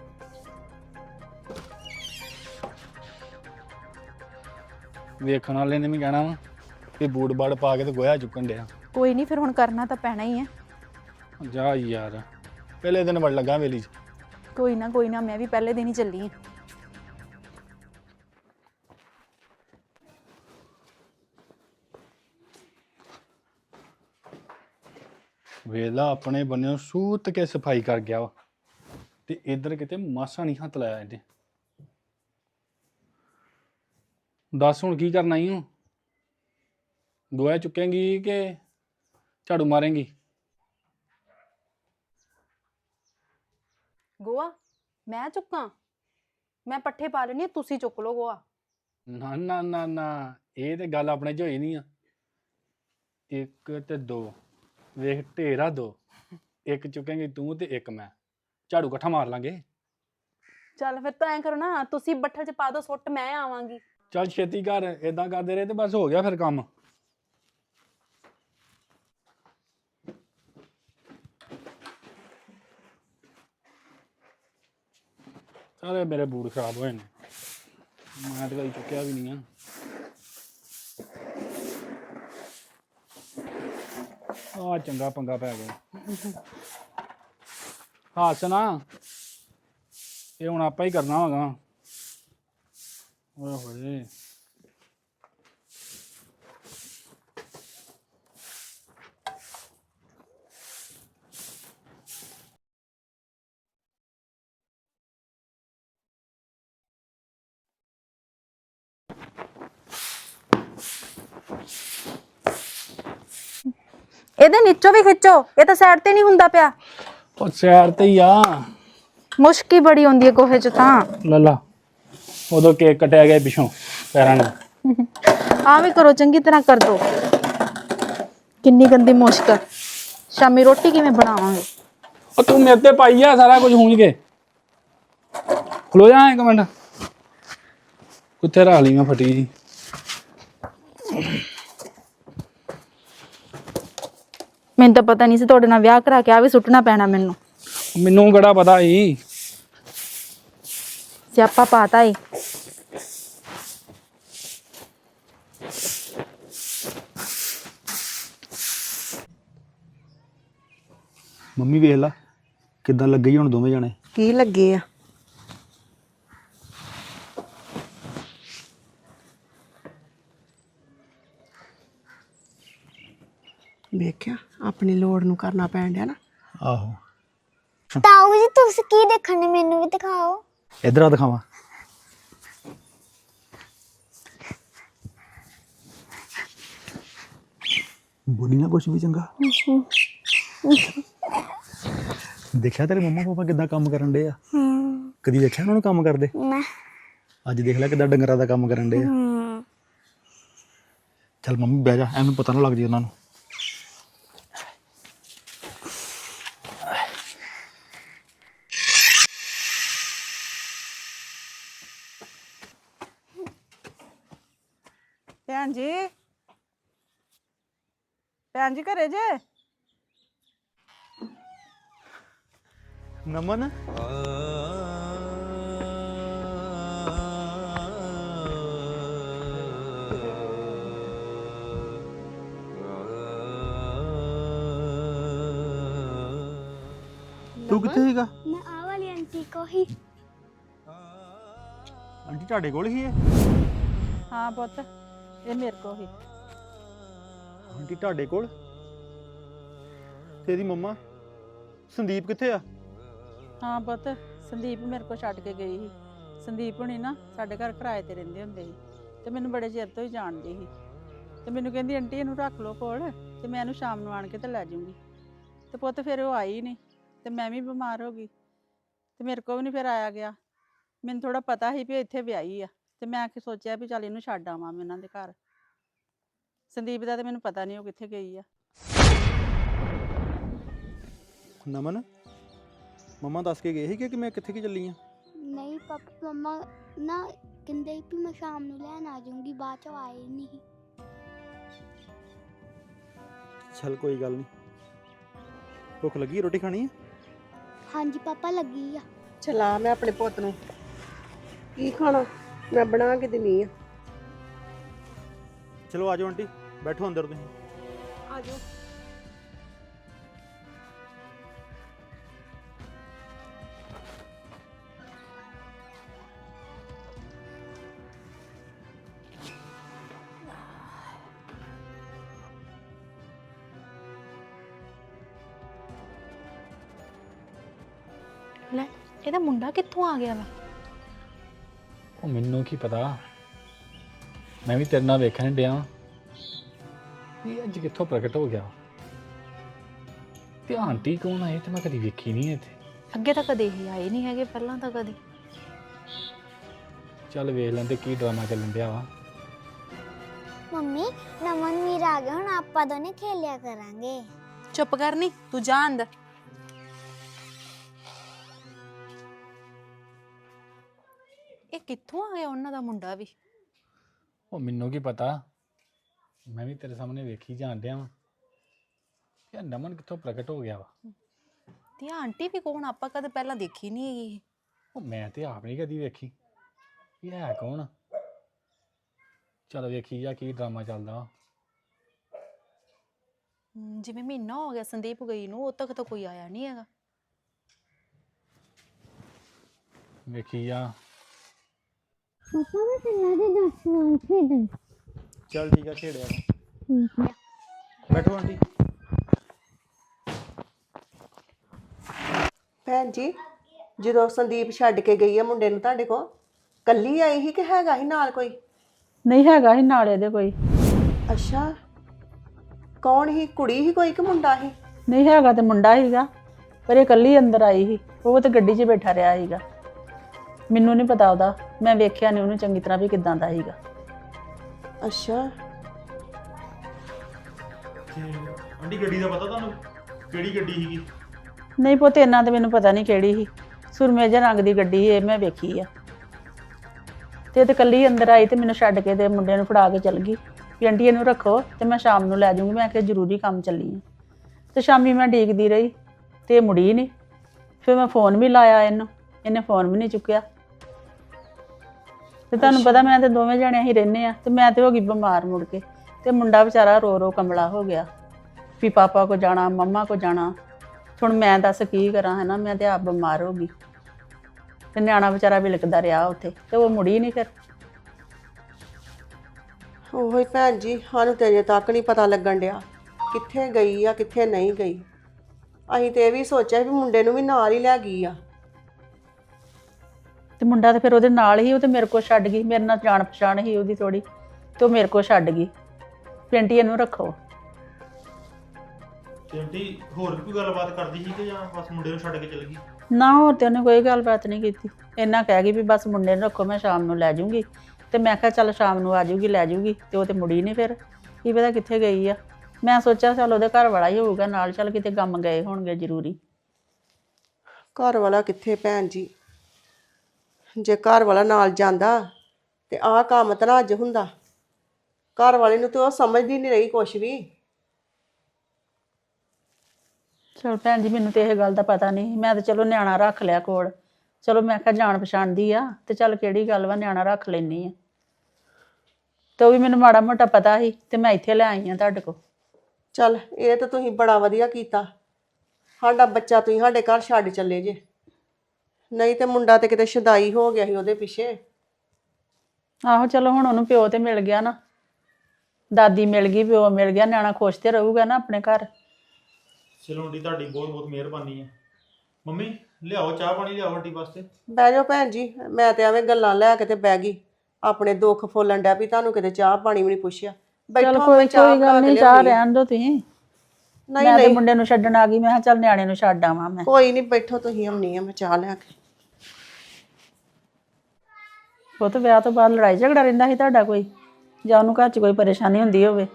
Speaker 5: ਵੇਖਣ ਵਾਲੇ ਨੇ ਵੀ ਕਹਿਣਾ ਵਾ ਕਿ ਬੂਟ ਬਾੜ ਪਾ ਕੇ ਤੇ ਗੋਇਆ ਚੁੱਕਣ ਡਿਆ।
Speaker 1: ਕੋਈ ਨਹੀਂ, ਫਿਰ ਹੁਣ ਕਰਨਾ ਤਾਂ ਪੈਣਾ ਹੀ ਹੈ।
Speaker 5: ਜਾ ਯਾਰ, ਪਹਿਲੇ ਦਿਨ ਵੜ ਲੱਗਾ ਵੇਲੀ 'ਚ।
Speaker 1: ਕੋਈ ਨਾ ਕੋਈ ਨਾ, ਮੈਂ ਵੀ ਪਹਿਲੇ ਦਿਨ ਹੀ ਚੱਲੀ ਹਾਂ।
Speaker 5: ਵੇਲਾ ਆਪਣੇ ਬੰਨਿਓ ਸੂਤ ਕੇ ਸਫਾਈ ਕਰ ਗਿਆ ਵਾ, ਤੇ ਇੱਧਰ ਕਿਤੇ ਮਾਸਾ ਨਹੀਂ ਹੱਥ ਲਾਇਆ ਇਹਨੇ। ਦੱਸ ਹੁਣ ਕੀ ਕਰਨਾ ਈ? ਗੋਇਆ ਚੁੱਕੇਂਗੀ ਕਿ ਝਾੜੂ ਮਾਰੇਂਗੀ?
Speaker 1: ਗੋਆ ਮੈਂ ਚੁੱਕਾਂ? ਮੈਂ ਪੱਠੇ ਪਾ ਲੈਣੀ, ਤੁਸੀਂ ਚੁੱਕ ਲਓ ਗੋਆ।
Speaker 5: ਨਾ ਨਾ ਨਾ ਨਾ, ਇਹ ਤੇ ਗੱਲ ਆਪਣੇ ਚ ਹੋਈ ਨਹੀਂ ਆ। ਇੱਕ ਤੇ ਦੋ, ਵੇਖ ਢੇਰਾ ਦੋ, ਇੱਕ ਚੁੱਕੇਂਗੀ ਤੂੰ ਤੇ ਇੱਕ ਮੈਂ, ਝਾੜੂ ਇਕੱਠਾ ਮਾਰ ਲਾਂਗੇ।
Speaker 1: ਚੱਲ ਫਿਰ ਤਾਂ ਐਂ ਕਰੋ ਨਾ, ਤੁਸੀਂ ਬੱਠਲ 'ਚ ਪਾ ਦਿਓ ਸੁੱਟ, ਮੈਂ ਆਵਾਂਗੀ।
Speaker 5: ਚੱਲ ਛੇਤੀ ਕਰ, ਏਦਾਂ ਕਰਦੇ ਰਹੇ ਤੇ ਬਸ ਹੋ ਗਿਆ ਫਿਰ ਕੰਮ। ਸਾਰੇ ਮੇਰੇ ਬੂਟ ਖਰਾਬ ਹੋਏ ਨੇ, ਮੈਂ ਤਾਂ ਕਦੀ ਚੁੱਕਿਆ ਵੀ ਨਹੀਂ ਆ। ਆ ਚੰਗਾ ਪੰਗਾ ਪੈ ਗਿਆ। ਹਾਸ ਨਾ, ਇਹ ਹੁਣ ਆਪਾਂ ਹੀ ਕਰਨਾ ਹੋਗਾ। ਓਏ ਹੋਏ,
Speaker 1: ਇਹਦੇ ਨੀਚੋਂ ਵੀ ਖਿੱਚੋ, ਇਹ ਤਾਂ ਸਾਈਡ ਤੇ ਨਹੀਂ ਹੁੰਦਾ ਪਿਆ।
Speaker 5: ਉਹ ਸੈਰ ਤੇ ਹੀ ਆ।
Speaker 1: ਮੁਸ਼ਕੀ ਬੜੀ ਹੁੰਦੀ ਹੈ ਗੋਹੇ 'ਚ ਤਾਂ।
Speaker 5: ਲੱਲਾ ਉਦੋਂ ਕੇਕ ਕਟਿਆ ਗਿਆ ਪਿੱਛੋਂ ਪੈਰਾਂ ਨੂੰ।
Speaker 1: ਆ ਵੀ ਕਰੋ, ਚੰਗੀ ਤਰ੍ਹਾਂ ਕਰ ਦੋ। ਕਿੰਨੀ ਗੰਦੀ ਮੁਸ਼ਕ। ਸ਼ਾਮੀ ਰੋਟੀ ਕਿਵੇਂ ਬਣਾਵਾਂਗੇ?
Speaker 5: ਉਹ ਤੂੰ ਮੇਰੇ ਤੇ ਪਾਈ ਆ ਸਾਰਾ ਕੁਝ ਹੂੰਝ ਕੇ। ਖਲੋ ਜਾ ਇੱਕ ਮਿੰਟ, ਕੁੱਥੇ ਰੱਖ ਲਈ ਮੈਂ ਫਟੀ ਜੀ।
Speaker 1: ਮੈਨੂੰ ਤਾਂ ਪਤਾ ਨਹੀਂ ਸੀ ਤੁਹਾਡੇ ਨਾਲ ਵਿਆਹ ਕਰਾ ਕੇ ਆ ਵੀ ਸੁੱਟਣਾ ਪੈਣਾ ਮੈਨੂੰ।
Speaker 5: ਮੈਨੂੰ ਕਿਹੜਾ ਪਤਾ ਸੀ।
Speaker 1: ਸਿਆਪਾ ਪਾਤਾ ਈ।
Speaker 3: ਮੰਮੀ ਵੇਖ ਲਾ ਕਿੱਦਾਂ ਲੱਗੇ ਈ ਹੁਣ ਦੋਵੇਂ ਜਾਣੇ।
Speaker 4: ਕੀ ਲੱਗੇ ਆ? ਵੇਖਿਆ, ਆਪਣੀ ਲੋੜ ਨੂੰ ਕਰਨਾ ਪੈਣ ਡਿਆ ਨਾ।
Speaker 3: ਆਹੋ,
Speaker 6: ਤਾਊ ਜੀ ਤੁਸੀਂ ਕੀ ਦੇਖਣ ਨੇ, ਮੈਨੂੰ ਵੀ ਦਿਖਾਓ।
Speaker 3: ਇਧਰ ਆ ਦਿਖਾਵਾਂ। ਬੋਲੀ ਨਾ ਕੁਛ ਵੀ ਚੰਗਾ। ਦੇਖਿਆ ਤੇਰੇ ਮੰਮਾ ਪਾਪਾ ਕਿੱਦਾਂ ਕੰਮ ਕਰਨ ਡੇ ਆ? ਕਦੀ ਦੇਖਿਆ ਉਹਨਾਂ ਨੂੰ ਕੰਮ ਕਰਦੇ?
Speaker 6: ਨਾ।
Speaker 3: ਅੱਜ ਦੇਖ ਲੈ ਕਿੱਦਾਂ ਡੰਗਰਾਂ ਦਾ ਕੰਮ ਕਰਨ ਡੇ ਆ। ਚੱਲ ਮੰਮੀ ਬਹਿ ਜਾ, ਐਵੇਂ ਪਤਾ ਨਾ ਲੱਗ ਜੇ ਉਹਨਾਂ ਨੂੰ।
Speaker 7: ਭੈਣ ਜੀ, ਭੈਣ ਜੀ ਘਰੇ ਜੇ?
Speaker 3: ਨਮਨ, ਤੂੰ ਕਿੱਥੇ ਸੀਗਾ?
Speaker 6: ਮੈਂ ਆ ਵਾਲੀ ਆਂਟੀ ਕੋ ਹੀ।
Speaker 3: ਆਂਟੀ ਤੁਹਾਡੇ ਕੋਲ ਹੀ ਹੈ?
Speaker 7: ਹਾਂ ਪੁੱਤ, ਇਹ ਮੇਰੇ ਕੋ ਹੀ।
Speaker 3: ਆਂਟੀ ਤੁਹਾਡੇ ਕੋਲ? ਤੇਰੀ ਮੰਮਾ ਸੰਦੀਪ ਕਿੱਥੇ ਆ?
Speaker 7: ਹਾਂ ਪੁੱਤ, ਸੰਦੀਪ ਮੇਰੇ ਕੋ ਛੱਡ ਕੇ ਗਈ ਸੀ। ਸੰਦੀਪ ਹੁਣੀ ਨਾ ਸਾਡੇ ਘਰ ਕਿਰਾਏ ਤੇ ਰਹਿੰਦੇ ਹੁੰਦੇ ਸੀ ਤੇ ਮੈਨੂੰ ਬੜੇ ਚਿਰ ਤੋਂ ਹੀ ਜਾਣਦੀ ਸੀ ਤੇ ਮੈਨੂੰ ਕਹਿੰਦੀ ਆਂਟੀ ਇਹਨੂੰ ਰੱਖ ਲਓ ਕੋਲ ਤੇ ਮੈਂ ਇਹਨੂੰ ਸ਼ਾਮ ਨੂੰ ਆਣ ਕੇ ਤੇ ਲੈ ਜਾਊਂਗੀ। ਤੇ ਪੁੱਤ ਫਿਰ ਉਹ ਆਈ ਨਹੀਂ ਤੇ ਮੈਂ ਵੀ ਬਿਮਾਰ ਹੋ ਗਈ ਤੇ ਮੇਰੇ ਕੋ ਵੀ ਨਹੀਂ ਫਿਰ ਆਇਆ ਗਿਆ। ਮੈਨੂੰ ਥੋੜਾ ਪਤਾ ਸੀ ਵੀ ਇੱਥੇ ਵਿਆਹੀ ਆ ਤੇ ਮੈਂ ਕਿ ਸੋਚਿਆ ਵੀ ਚੱਲ ਇਹਨੂੰ ਛੱਡ ਆਵਾਂ ਮੈਂ ਉਹਨਾਂ ਦੇ ਘਰ। ਸੰਦੀਪ ਦਾ ਤੇ ਮੈਨੂੰ ਪਤਾ ਨਹੀਂ ਉਹ ਕਿੱਥੇ ਗਈ ਆ।
Speaker 3: ਨਮਨ, ਮੰਮਾ ਦੱਸ ਕੇ ਗਏ ਸੀ ਕਿ ਮੈਂ ਕਿੱਥੇ ਕੀ ਚੱਲੀ ਆ?
Speaker 6: ਨਹੀਂ ਪਾਪਾ ਮਮਾ ਨਾ ਕਹਿੰਦੇ ਵੀ ਮੈਂ ਸ਼ਾਮ ਨੂੰ ਲੈਣ ਆ ਜਾਊਂਗੀ, ਬਾਅਦ ਚ ਆਏ ਨਹੀਂ।
Speaker 3: ਚੱਲ ਕੋਈ ਗੱਲ ਨਹੀਂ। ਭੁੱਖ ਲੱਗੀ, ਰੋਟੀ ਖਾਣੀ ਹੈ?
Speaker 6: ਹਾਂਜੀ ਪਾਪਾ ਲੱਗੀ ਆ।
Speaker 4: ਚਲਾ ਮੈਂ ਆਪਣੇ ਪੁੱਤ ਨੂੰ ਕੀ ਖਾਣਾ ਮੈਂ ਬਣਾ ਕੇ ਦਿੰਨੀ ਆ।
Speaker 3: ਚਲੋ ਆ ਜਾਓ ਆਂਟੀ, ਬੈਠੋ ਅੰਦਰ ਤੁਸੀਂ।
Speaker 4: ਆ ਜਾਓ।
Speaker 1: ਲੈ, ਇਹਦਾ ਮੁੰਡਾ ਕਿੱਥੋਂ ਆ ਗਿਆ ਵਾ?
Speaker 5: ਉਹ ਮੈਨੂੰ ਕੀ ਪਤਾ, ਮੈਂ ਵੀ ਤੇਰੇ ਨਾਲ ਵੇਖਣ ਡਿਆ ਇਹ ਅੱਜ ਕਿੱਥੋਂ ਪ੍ਰਗਟ ਹੋ ਗਿਆ। ਤੇ ਆਂਟੀ ਕੌਣ ਆਏ ਤੇ ਮੈਂ ਕਦੀ ਵੇਖੀ ਨਹੀਂ ਇੱਥੇ।
Speaker 1: ਅੱਗੇ ਤਾਂ ਕਦੇ ਹੀ ਆਏ ਨਹੀਂ ਹੈਗੇ, ਪਹਿਲਾਂ ਤਾਂ ਕਦੇ।
Speaker 5: ਚੱਲ ਵੇਖ ਲੈਂਦੇ ਕੀ ਡਰਾਮਾ ਚੱਲਣ ਡਿਆ ਵਾ।
Speaker 6: ਮੰਮੀ ਨਮਨ ਵੀਰ ਆ ਗਿਆ, ਹੁਣ ਆਪਾਂ ਦੋਨੇ ਖੇਲਿਆ ਕਰਾਂਗੇ।
Speaker 1: ਚੁੱਪ ਕਰ ਨੀ, ਤੂੰ ਜਾ ਅੰਦਰ। ਇਹ ਕਿੱਥੋਂ ਆ ਗਿਆ ਉਹਨਾਂ ਦਾ ਮੁੰਡਾ ਵੀ?
Speaker 5: ਉਹ ਮੈਨੂੰ ਕੀ ਪਤਾ, ਮੈਂ ਵੀ ਤੇਰੇ ਸਾਹਮਣੇ ਵੇਖੀ ਜਾਣ ਡਿਆ ਵਾਂ ਕਿ ਨਮਨ ਕਿੱਥੋਂ ਪ੍ਰਗਟ ਹੋ ਗਿਆ ਵਾ।
Speaker 1: ਤੇ ਆਹ ਆਂਟੀ ਵੀ ਕੌਣ? ਆਪਾਂ ਕਦੇ ਪਹਿਲਾਂ ਦੇਖੀ ਨਹੀਂ ਹੈਗੀ।
Speaker 5: ਉਹ ਮੈਂ ਤੇ ਆਪ ਨਹੀਂ ਕਦੀ ਵੇਖੀ, ਇਹ ਹੈ ਕੌਣ? ਚਲ ਵੇਖੀ ਜਾ ਕੀ ਡਰਾਮਾ ਚੱਲਦਾ ਵਾ।
Speaker 1: ਹਮ, ਜਿਵੇਂ ਮਹੀਨਾ ਹੋ ਗਿਆ ਸੰਦੀਪ ਗਈ ਨੂੰ, ਉਦੋਂ ਤੱਕ ਤਾਂ ਕੋਈ ਆਇਆ ਨਹੀਂ ਹੈਗਾ।
Speaker 5: ਵੇਖੀ ਜਾ।
Speaker 6: ਪਾਪਾ ਮੈਂ ਚੱਲਾਂ ਦੇ ਦਸ ਨਾਲ ਖੇਡਣ।
Speaker 3: ਚੱਲ ਠੀਕ ਆ, ਖੇੜਿਆ ਬੈਠੋ ਆਂਟੀ।
Speaker 4: ਭੈਣ ਜੀ, ਜਦੋਂ ਸੰਦੀਪ ਛੱਡ ਕੇ ਗਈ ਆ ਮੁੰਡੇ ਨੂੰ ਤੁਹਾਡੇ ਕੋਲ, ਕੱਲੀ ਆਈ ਸੀ ਕਿ ਹੈਗਾ ਸੀ ਨਾਲ ਕੋਈ?
Speaker 7: ਨਹੀਂ ਹੈਗਾ ਸੀ ਨਾਲ ਇਹਦੇ ਕੋਈ।
Speaker 4: ਅੱਛਾ, ਕੌਣ ਹੀ? ਕੁੜੀ ਹੀ ਕੋਈ ਕਿ ਮੁੰਡਾ ਹੀ?
Speaker 7: ਨਹੀਂ ਹੈਗਾ ਤੇ ਮੁੰਡਾ ਸੀਗਾ, ਪਰ ਇਹ ਇਕੱਲੀ ਅੰਦਰ ਆਈ ਸੀ। ਉਹ ਤੇ ਗੱਡੀ 'ਚ ਬੈਠਾ ਰਿਹਾ ਸੀਗਾ। ਮੈਨੂੰ ਨਹੀਂ ਪਤਾ ਉਹਦਾ, ਮੈਂ ਵੇਖਿਆ ਨਹੀਂ ਉਹਨੂੰ ਚੰਗੀ ਤਰ੍ਹਾਂ ਵੀ ਕਿੱਦਾਂ ਦਾ ਸੀਗਾ।
Speaker 4: ਅੱਛਾ,
Speaker 3: ਆਂਟੀ ਗੱਡੀ ਦਾ ਪਤਾ ਤੁਹਾਨੂੰ? ਕਿਹੜੀ ਗੱਡੀ ਸੀਗੀ?
Speaker 7: ਨਹੀਂ ਪੁੱਤ ਇਹਨਾਂ ਤੇ ਮੈਨੂੰ ਪਤਾ ਨਹੀਂ ਕਿਹੜੀ ਸੀ। ਸੁਰਮੇ ਜਿਹੇ ਰੰਗ ਦੀ ਗੱਡੀ ਸੀ, ਇਹ ਮੈਂ ਵੇਖੀ ਆ। ਤੇ ਇਹ ਤੇ ਇਕੱਲੀ ਅੰਦਰ ਆਈ ਤੇ ਮੈਨੂੰ ਛੱਡ ਕੇ ਤੇ ਮੁੰਡੇ ਨੂੰ ਫੜਾ ਕੇ ਚਲ ਗਈ ਵੀ ਆਂਟੀ ਇਹਨੂੰ ਰੱਖੋ ਤੇ ਮੈਂ ਸ਼ਾਮ ਨੂੰ ਲੈ ਜਾਊਂਗੀ। ਮੈਂ ਕਿਹਾ ਜ਼ਰੂਰੀ ਕੰਮ ਚੱਲੀ ਆ। ਤੇ ਸ਼ਾਮੀ ਮੈਂ ਡੀਕਦੀ ਰਹੀ ਤੇ ਇਹ ਮੁੜੀ ਨਹੀਂ। ਫਿਰ ਮੈਂ ਫੋਨ ਵੀ ਲਾਇਆ ਇਹਨੂੰ, ਇਹਨੇ ਫੋਨ ਵੀ ਨਹੀਂ ਚੁੱਕਿਆ। ਤੇ ਤੁਹਾਨੂੰ ਪਤਾ ਮੈਂ ਤੇ ਦੋਵੇਂ ਜਣੇ ਹੀ ਰਹਿੰਦੇ ਆ, ਤੇ ਮੈਂ ਤੇ ਹੋ ਗਈ ਬਿਮਾਰ ਮੁੜ ਕੇ। ਤੇ ਮੁੰਡਾ ਵਿਚਾਰਾ ਰੋ ਰੋ ਕਮਲਾ ਹੋ ਗਿਆ ਵੀ ਪਾਪਾ ਕੋ ਜਾਣਾ, ਮੰਮਾ ਕੋ ਜਾਣਾ। ਹੁਣ ਮੈਂ ਦੱਸ ਕੀ ਕਰਾਂ, ਹੈ ਨਾ। ਮੈਂ ਤੇ ਆਪ ਬਿਮਾਰ ਹੋ ਗਈ ਤੇ ਨਿਆਣਾ ਵਿਚਾਰਾ ਵੀ ਲਿਖਦਾ ਰਿਹਾ ਉੱਥੇ, ਤੇ ਉਹ ਮੁੜੀ ਨਹੀਂ ਫਿਰ।
Speaker 4: ਉਹੋ ਹੀ ਭੈਣ ਜੀ, ਸਾਨੂੰ ਤੇ ਅਜੇ ਤੱਕ ਨਹੀਂ ਪਤਾ ਲੱਗਣ ਡਿਆ ਕਿੱਥੇ ਗਈ ਆ ਕਿੱਥੇ ਨਹੀਂ ਗਈ। ਅਸੀਂ ਤੇ ਇਹ ਵੀ ਸੋਚਿਆ ਵੀ ਮੁੰਡੇ ਨੂੰ ਵੀ ਨਾਲ ਹੀ ਲੈ ਗਈ ਆ।
Speaker 7: ਤੇ ਮੁੰਡਾ ਤੇ ਫਿਰ ਉਹਦੇ ਨਾਲ ਹੀ, ਉਹ ਤੇ ਮੇਰੇ ਕੋਲ ਛੱਡ ਗਈ। ਮੇਰੇ ਨਾਲ ਜਾਣ ਪਛਾਣ ਸੀ ਉਹਦੀ ਥੋੜੀ, ਤੇ ਉਹ ਮੇਰੇ ਕੋਲ ਛੱਡ ਗਈ। ਪਿੰਟੀ ਇਹਨੂੰ ਰੱਖੋ।
Speaker 3: ਤੇ ਆਂਟੀ ਹੋਰ ਵੀ ਕੋਈ ਗੱਲਬਾਤ ਕਰਦੀ ਸੀ ਕਿ ਜਾਂ ਬਸ ਮੁੰਡੇ ਨੂੰ ਛੱਡ ਕੇ ਚਲ ਗਈ?
Speaker 7: ਨਾ ਹੋਰ ਤੇ ਉਹਨੇ ਕੋਈ ਗੱਲਬਾਤ ਨਹੀਂ ਕੀਤੀ। ਇੰਨਾ ਕਹਿ ਗਈ ਵੀ ਬਸ ਮੁੰਡੇ ਨੂੰ ਰੱਖੋ, ਮੈਂ ਸ਼ਾਮ ਨੂੰ ਲੈ ਜਾਊਂਗੀ। ਤੇ ਮੈਂ ਕਿਹਾ ਚੱਲ ਸ਼ਾਮ ਨੂੰ ਆ ਜਾਊਗੀ, ਲੈ ਜਾਊਗੀ। ਤੇ ਉਹ ਤੇ ਮੁੜੀ ਨਹੀਂ ਫਿਰ। ਕੀ ਪਤਾ ਕਿੱਥੇ ਗਈ ਆ। ਮੈਂ ਸੋਚਿਆ ਚੱਲ ਉਹਦੇ ਘਰ ਵਾਲਾ ਹੀ ਹੋਊਗਾ ਨਾਲ, ਚੱਲ ਕਿਤੇ ਕੰਮ ਗਏ ਹੋਣਗੇ ਜ਼ਰੂਰੀ।
Speaker 4: ਘਰ ਵਾਲਾ ਕਿੱਥੇ ਭੈਣ ਜੀ? ਜੇ ਘਰ ਵਾਲਾ ਨਾਲ ਜਾਂਦਾ ਤੇ ਆਹ ਕੰਮ ਤਾਂ ਨਾ ਅੱਜ ਹੁੰਦਾ। ਘਰ ਵਾਲੇ ਨੂੰ ਤੇ ਉਹ ਸਮਝਦੀ ਨਹੀਂ ਰਹੀ ਕੁਛ ਵੀ।
Speaker 7: ਚਲ ਭੈਣ ਜੀ, ਮੈਨੂੰ ਤੇ ਇਹ ਗੱਲ ਦਾ ਪਤਾ ਨਹੀਂ। ਮੈਂ ਤਾਂ ਚਲੋ ਨਿਆਣਾ ਰੱਖ ਲਿਆ ਕੋਲ। ਚਲੋ ਮੈਂ ਕਿਹਾ ਜਾਣ ਪਛਾਣ ਦੀ ਆ ਤੇ ਚੱਲ ਕਿਹੜੀ ਗੱਲ ਵਾ, ਨਿਆਣਾ ਰੱਖ ਲੈਣੀ ਆ। ਤੇ ਉਹ ਵੀ ਮੈਨੂੰ ਮਾੜਾ ਮੋਟਾ ਪਤਾ ਸੀ ਤੇ ਮੈਂ ਇੱਥੇ ਲੈ ਆਈ ਆ ਤੁਹਾਡੇ ਕੋਲ।
Speaker 4: ਚੱਲ ਇਹ ਤਾਂ ਤੁਸੀਂ ਬੜਾ ਵਧੀਆ ਕੀਤਾ। ਸਾਡਾ ਬੱਚਾ ਤੁਸੀਂ ਸਾਡੇ ਘਰ ਛੱਡ ਚੱਲੇ ਜੇ, ਨਹੀਂ ਤੇ ਮੁੰਡਾ ਤੇ ਕਿਤੇ ਸ਼ਦਾਈ ਹੋ ਗਿਆ ਸੀ ਉਹਦੇ ਪਿੱਛੇ।
Speaker 7: ਆਹੋ ਚਲੋ ਹੁਣ ਉਹਨੂੰ ਪਿਓ ਤੇ ਮਿਲ ਗਿਆ ਨਾ, ਦਾਦੀ ਮਿਲ ਗਈ, ਪਿਓ ਮਿਲ ਗਿਆ, ਨਿਆਣਾ ਖੁਸ਼ ਤੇ ਰਹੂਗਾ ਨਾ ਆਪਣੇ ਘਰ।
Speaker 3: ਚਲੋ ਆਂਟੀ ਤੁਹਾਡੀ ਬਹੁਤ ਬਹੁਤ ਮਿਹਰਬਾਨੀ ਹੈ। ਮੰਮੀ ਲਿਆਓ ਚਾਹ ਪਾਣੀ, ਲਿਆਓ ਆਂਟੀ ਵਾਸਤੇ।
Speaker 4: ਬਹਿ ਜਾਓ ਭੈਣ ਜੀ, ਮੈਂ ਤੇ ਐਵੇਂ ਗੱਲਾਂ ਲੈ ਕੇ ਤੇ ਬਹਿ ਗਈ। ਆਪਣੇ ਦੁੱਖ ਫੋਲਣ ਡਿਆ ਵੀ ਤੁਹਾਨੂੰ ਕਿਤੇ ਚਾਹ ਪਾਣੀ ਵੀ ਨਹੀਂ ਪੁੱਛਿਆ।
Speaker 7: ਚਲ
Speaker 4: ਬੈਠੋ,
Speaker 7: ਕੋਈ
Speaker 4: ਮੈਂ ਚਾਹ
Speaker 7: ਕੋਈ
Speaker 4: ਬਣਾ
Speaker 7: ਗੱਲ
Speaker 4: ਕੇ
Speaker 7: ਨਹੀਂ, ਚਾਹ
Speaker 4: ਲਿਆਉਂਦੀ ਹਾਂ।
Speaker 7: ਰਹਿਣ ਦੋ ਤੁਸੀਂ।
Speaker 4: ਨਹੀਂ
Speaker 7: ਮੈਂ ਤੇ
Speaker 4: ਨਹੀਂ
Speaker 7: ਮੁੰਡੇ ਨੂੰ ਛੱਡਣ ਆ ਗਈ। ਮੈਂ ਕਿਹਾ ਚੱਲ ਨਿਆਣੇ ਨੂੰ ਛੱਡ ਆਵਾਂ ਮੈਂ।
Speaker 4: ਕੋਈ ਨਹੀਂ, ਬੈਠੋ ਤੁਸੀਂ, ਆਉਣੀ ਆ ਮੈਂ ਚਾਹ ਲੈ ਕੇ।
Speaker 7: ਉਹ ਤਾਂ ਵਿਆਹ ਤੋਂ ਬਾਅਦ ਲੜਾਈ ਝਗੜਾ ਰਹਿੰਦਾ ਸੀ ਤੁਹਾਡਾ ਕੋਈ, ਜਾਂ ਉਹਨੂੰ ਘਰ 'ਚ ਕੋਈ ਪਰੇਸ਼ਾਨੀ ਹੁੰਦੀ ਹੋਵੇ?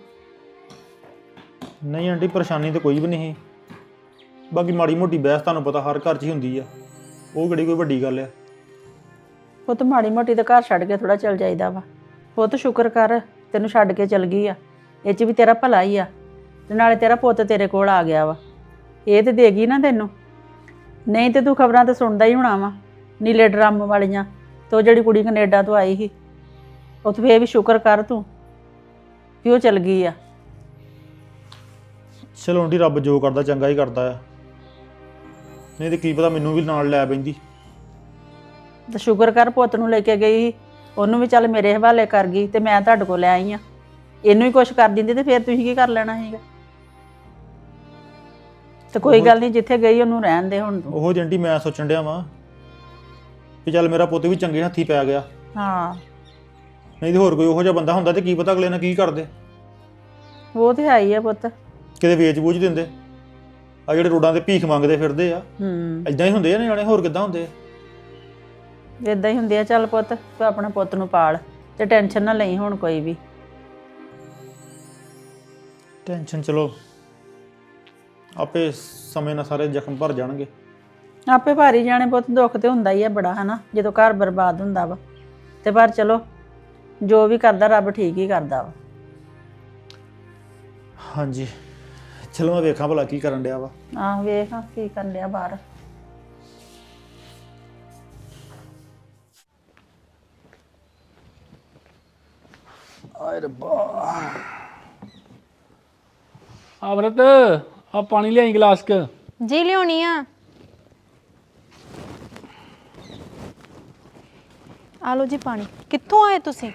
Speaker 3: ਨਹੀਂ ਆਂਟੀ, ਪਰੇਸ਼ਾਨੀ ਤਾਂ ਕੋਈ ਵੀ ਨਹੀਂ ਸੀ। ਬਾਕੀ ਮਾੜੀ ਮੋਟੀ ਬਹਿਸ ਤੁਹਾਨੂੰ ਪਤਾ ਹਰ ਘਰ 'ਚ ਹੀ ਹੁੰਦੀ ਆ, ਉਹ ਕਿਹੜੀ ਕੋਈ ਵੱਡੀ ਗੱਲ ਆ।
Speaker 7: ਉਹ ਤਾਂ ਮਾੜੀ ਮੋਟੀ ਤਾਂ ਘਰ ਛੱਡ ਕੇ ਥੋੜਾ ਚੱਲ ਜਾਈਦਾ ਵਾ। ਉਹ ਤਾਂ ਸ਼ੁਕਰ ਕਰ ਤੈਨੂੰ ਛੱਡ ਕੇ ਚਲ ਗਈ ਆ, ਇਹ 'ਚ ਵੀ ਤੇਰਾ ਭਲਾ ਹੀ ਆ। ਤੇ ਨਾਲੇ ਤੇਰਾ ਪੁੱਤ ਤੇਰੇ ਕੋਲ ਆ ਗਿਆ ਵਾ, ਇਹ ਤੇ ਦੇ ਗਈ ਨਾ ਤੈਨੂੰ। ਨਹੀਂ ਤੇ ਤੂੰ ਖਬਰਾਂ ਤਾਂ ਸੁਣਦਾ ਹੀ ਹੋਣਾ ਵਾ, ਨੀਲੇ ਡਰਮ ਵਾਲੀਆਂ। ਤੇ ਉਹ ਜਿਹੜੀ ਕੁੜੀ ਕੈਨੇਡਾ ਤੋਂ ਆਈ ਸੀ, ਉਹ ਤਾਂ ਫੇਰ ਵੀ ਸ਼ੁਕਰ ਕਰ ਤੂੰ ਕਿ ਉਹ ਚਲ ਗਈ ਆ।
Speaker 3: ਚਲੋ ਆਂਟੀ, ਰੱਬ ਜੋ ਕਰਦਾ ਚੰਗਾ ਹੀ ਕਰਦਾ ਆ, ਨਹੀਂ ਤੇ ਕੀ ਪਤਾ ਮੈਨੂੰ ਵੀ ਨਾਲ ਲੈ ਪੈਂਦੀ।
Speaker 7: ਤੇ ਸ਼ੁਕਰ ਕਰ ਪੁੱਤ ਨੂੰ ਲੈ ਕੇ ਗਈ, ਉਹਨੂੰ ਵੀ ਚੱਲ ਮੇਰੇ ਹਵਾਲੇ ਕਰ ਗਈ ਤੇ ਮੈਂ ਤੁਹਾਡੇ ਕੋਲ ਲੈ ਆਈ ਆ। ਇਹਨੂੰ ਹੀ ਕੁਛ ਕਰ ਦਿੰਦੀ ਤੇ ਫਿਰ ਤੁਸੀਂ ਕੀ ਕਰ ਲੈਣਾ ਸੀਗਾ। ਤੇ ਕੋਈ ਗੱਲ ਨਹੀਂ, ਜਿੱਥੇ ਗਈ ਉਹਨੂੰ ਰਹਿਣ ਦੇ ਹੁਣ ਤੂੰ।
Speaker 3: ਉਹ ਆਂਟੀ ਮੈਂ ਸੋਚਣ ਡਿਆ ਵਾਂ ਵੀ ਚੱਲ ਮੇਰਾ ਪੁੱਤ ਵੀ ਚੰਗੇ ਹੱਥੀ ਪੈ ਗਿਆ।
Speaker 7: ਹਾਂ
Speaker 3: ਨਹੀਂ ਤੇ ਹੋਰ ਕੋਈ ਉਹੋ ਜਿਹਾ ਬੰਦਾ ਹੁੰਦਾ ਤੇ ਕੀ ਪਤਾ ਅਗਲੇ ਨਾਲ ਕੀ ਕਰਦੇ।
Speaker 7: ਉਹ ਤੇ ਹੈ ਹੀ ਆ ਪੁੱਤ।
Speaker 3: ਕਿਤੇ ਵੇਚ ਬੂਝ ਦਿੰਦੇ। ਆ ਜਿਹੜੇ ਰੋਡਾਂ ਤੇ ਭੀਖ ਮੰਗਦੇ ਫਿਰਦੇ ਆ,
Speaker 7: ਹੂੰ
Speaker 3: ਇਦਾਂ ਹੀ ਹੁੰਦੇ ਆ ਨਿਆਣੇ, ਹੋਰ ਕਿੱਦਾਂ ਹੁੰਦੇ ਆ।
Speaker 7: ਇਦਾਂ ਹੀ ਹੁੰਦੀ ਆ। ਚੱਲ ਪੁੱਤ ਤੂੰ ਆਪਣੇ ਪੁੱਤ ਨੂੰ ਪਾਲ ਤੇ ਟੈਨਸ਼ਨ ਨਾ ਲਈ ਹੁਣ ਕੋਈ ਵੀ।
Speaker 3: ਟੈਨਸ਼ਨ ਚਲੋ ਆਪੇ ਸਮੇਂ ਨਾਲ ਸਾਰੇ ਜ਼ਖਮ ਭਰ ਜਾਣਗੇ।
Speaker 7: ਆਪੇ ਭਾਰੀ ਜਾਣੇ ਪੁੱਤ, ਦੁੱਖ ਤੇ ਹੁੰਦਾ ਹੀ ਆ ਬੜਾ ਹਨਾ ਜਦੋਂ ਘਰ ਬਰਬਾਦ ਹੁੰਦਾ ਵਾ। ਤੇ ਪਰ ਚਲੋ ਜੋ ਵੀ ਕਰਦਾ ਰੱਬ ਠੀਕ ਹੀ ਕਰਦਾ ਵਾ।
Speaker 3: ਹਾਂਜੀ ਚਲੋ ਮੈਂ ਵੇਖਾਂ ਭਲਾ ਕੀ ਕਰਨ ਡਿਆ ਵਾ।
Speaker 7: ਆਹ ਵੇਖ ਹਾਂ ਕੀ ਕਰਨ ਡਿਆ ਬਾਹਰ।
Speaker 5: ਆਏ ਰੱਬਾ। ਅਮਰਤ ਆ ਪਾਣੀ ਲਿਆਈ ਗਲਾਸ ਕ।
Speaker 1: ਜੀ ਲਿਆਉਣੀ ਆ। ਆ ਲਓ ਜੀ ਪਾਣੀ। ਕਿੱਥੋਂ ਆਏ ਤੁਸੀਂ?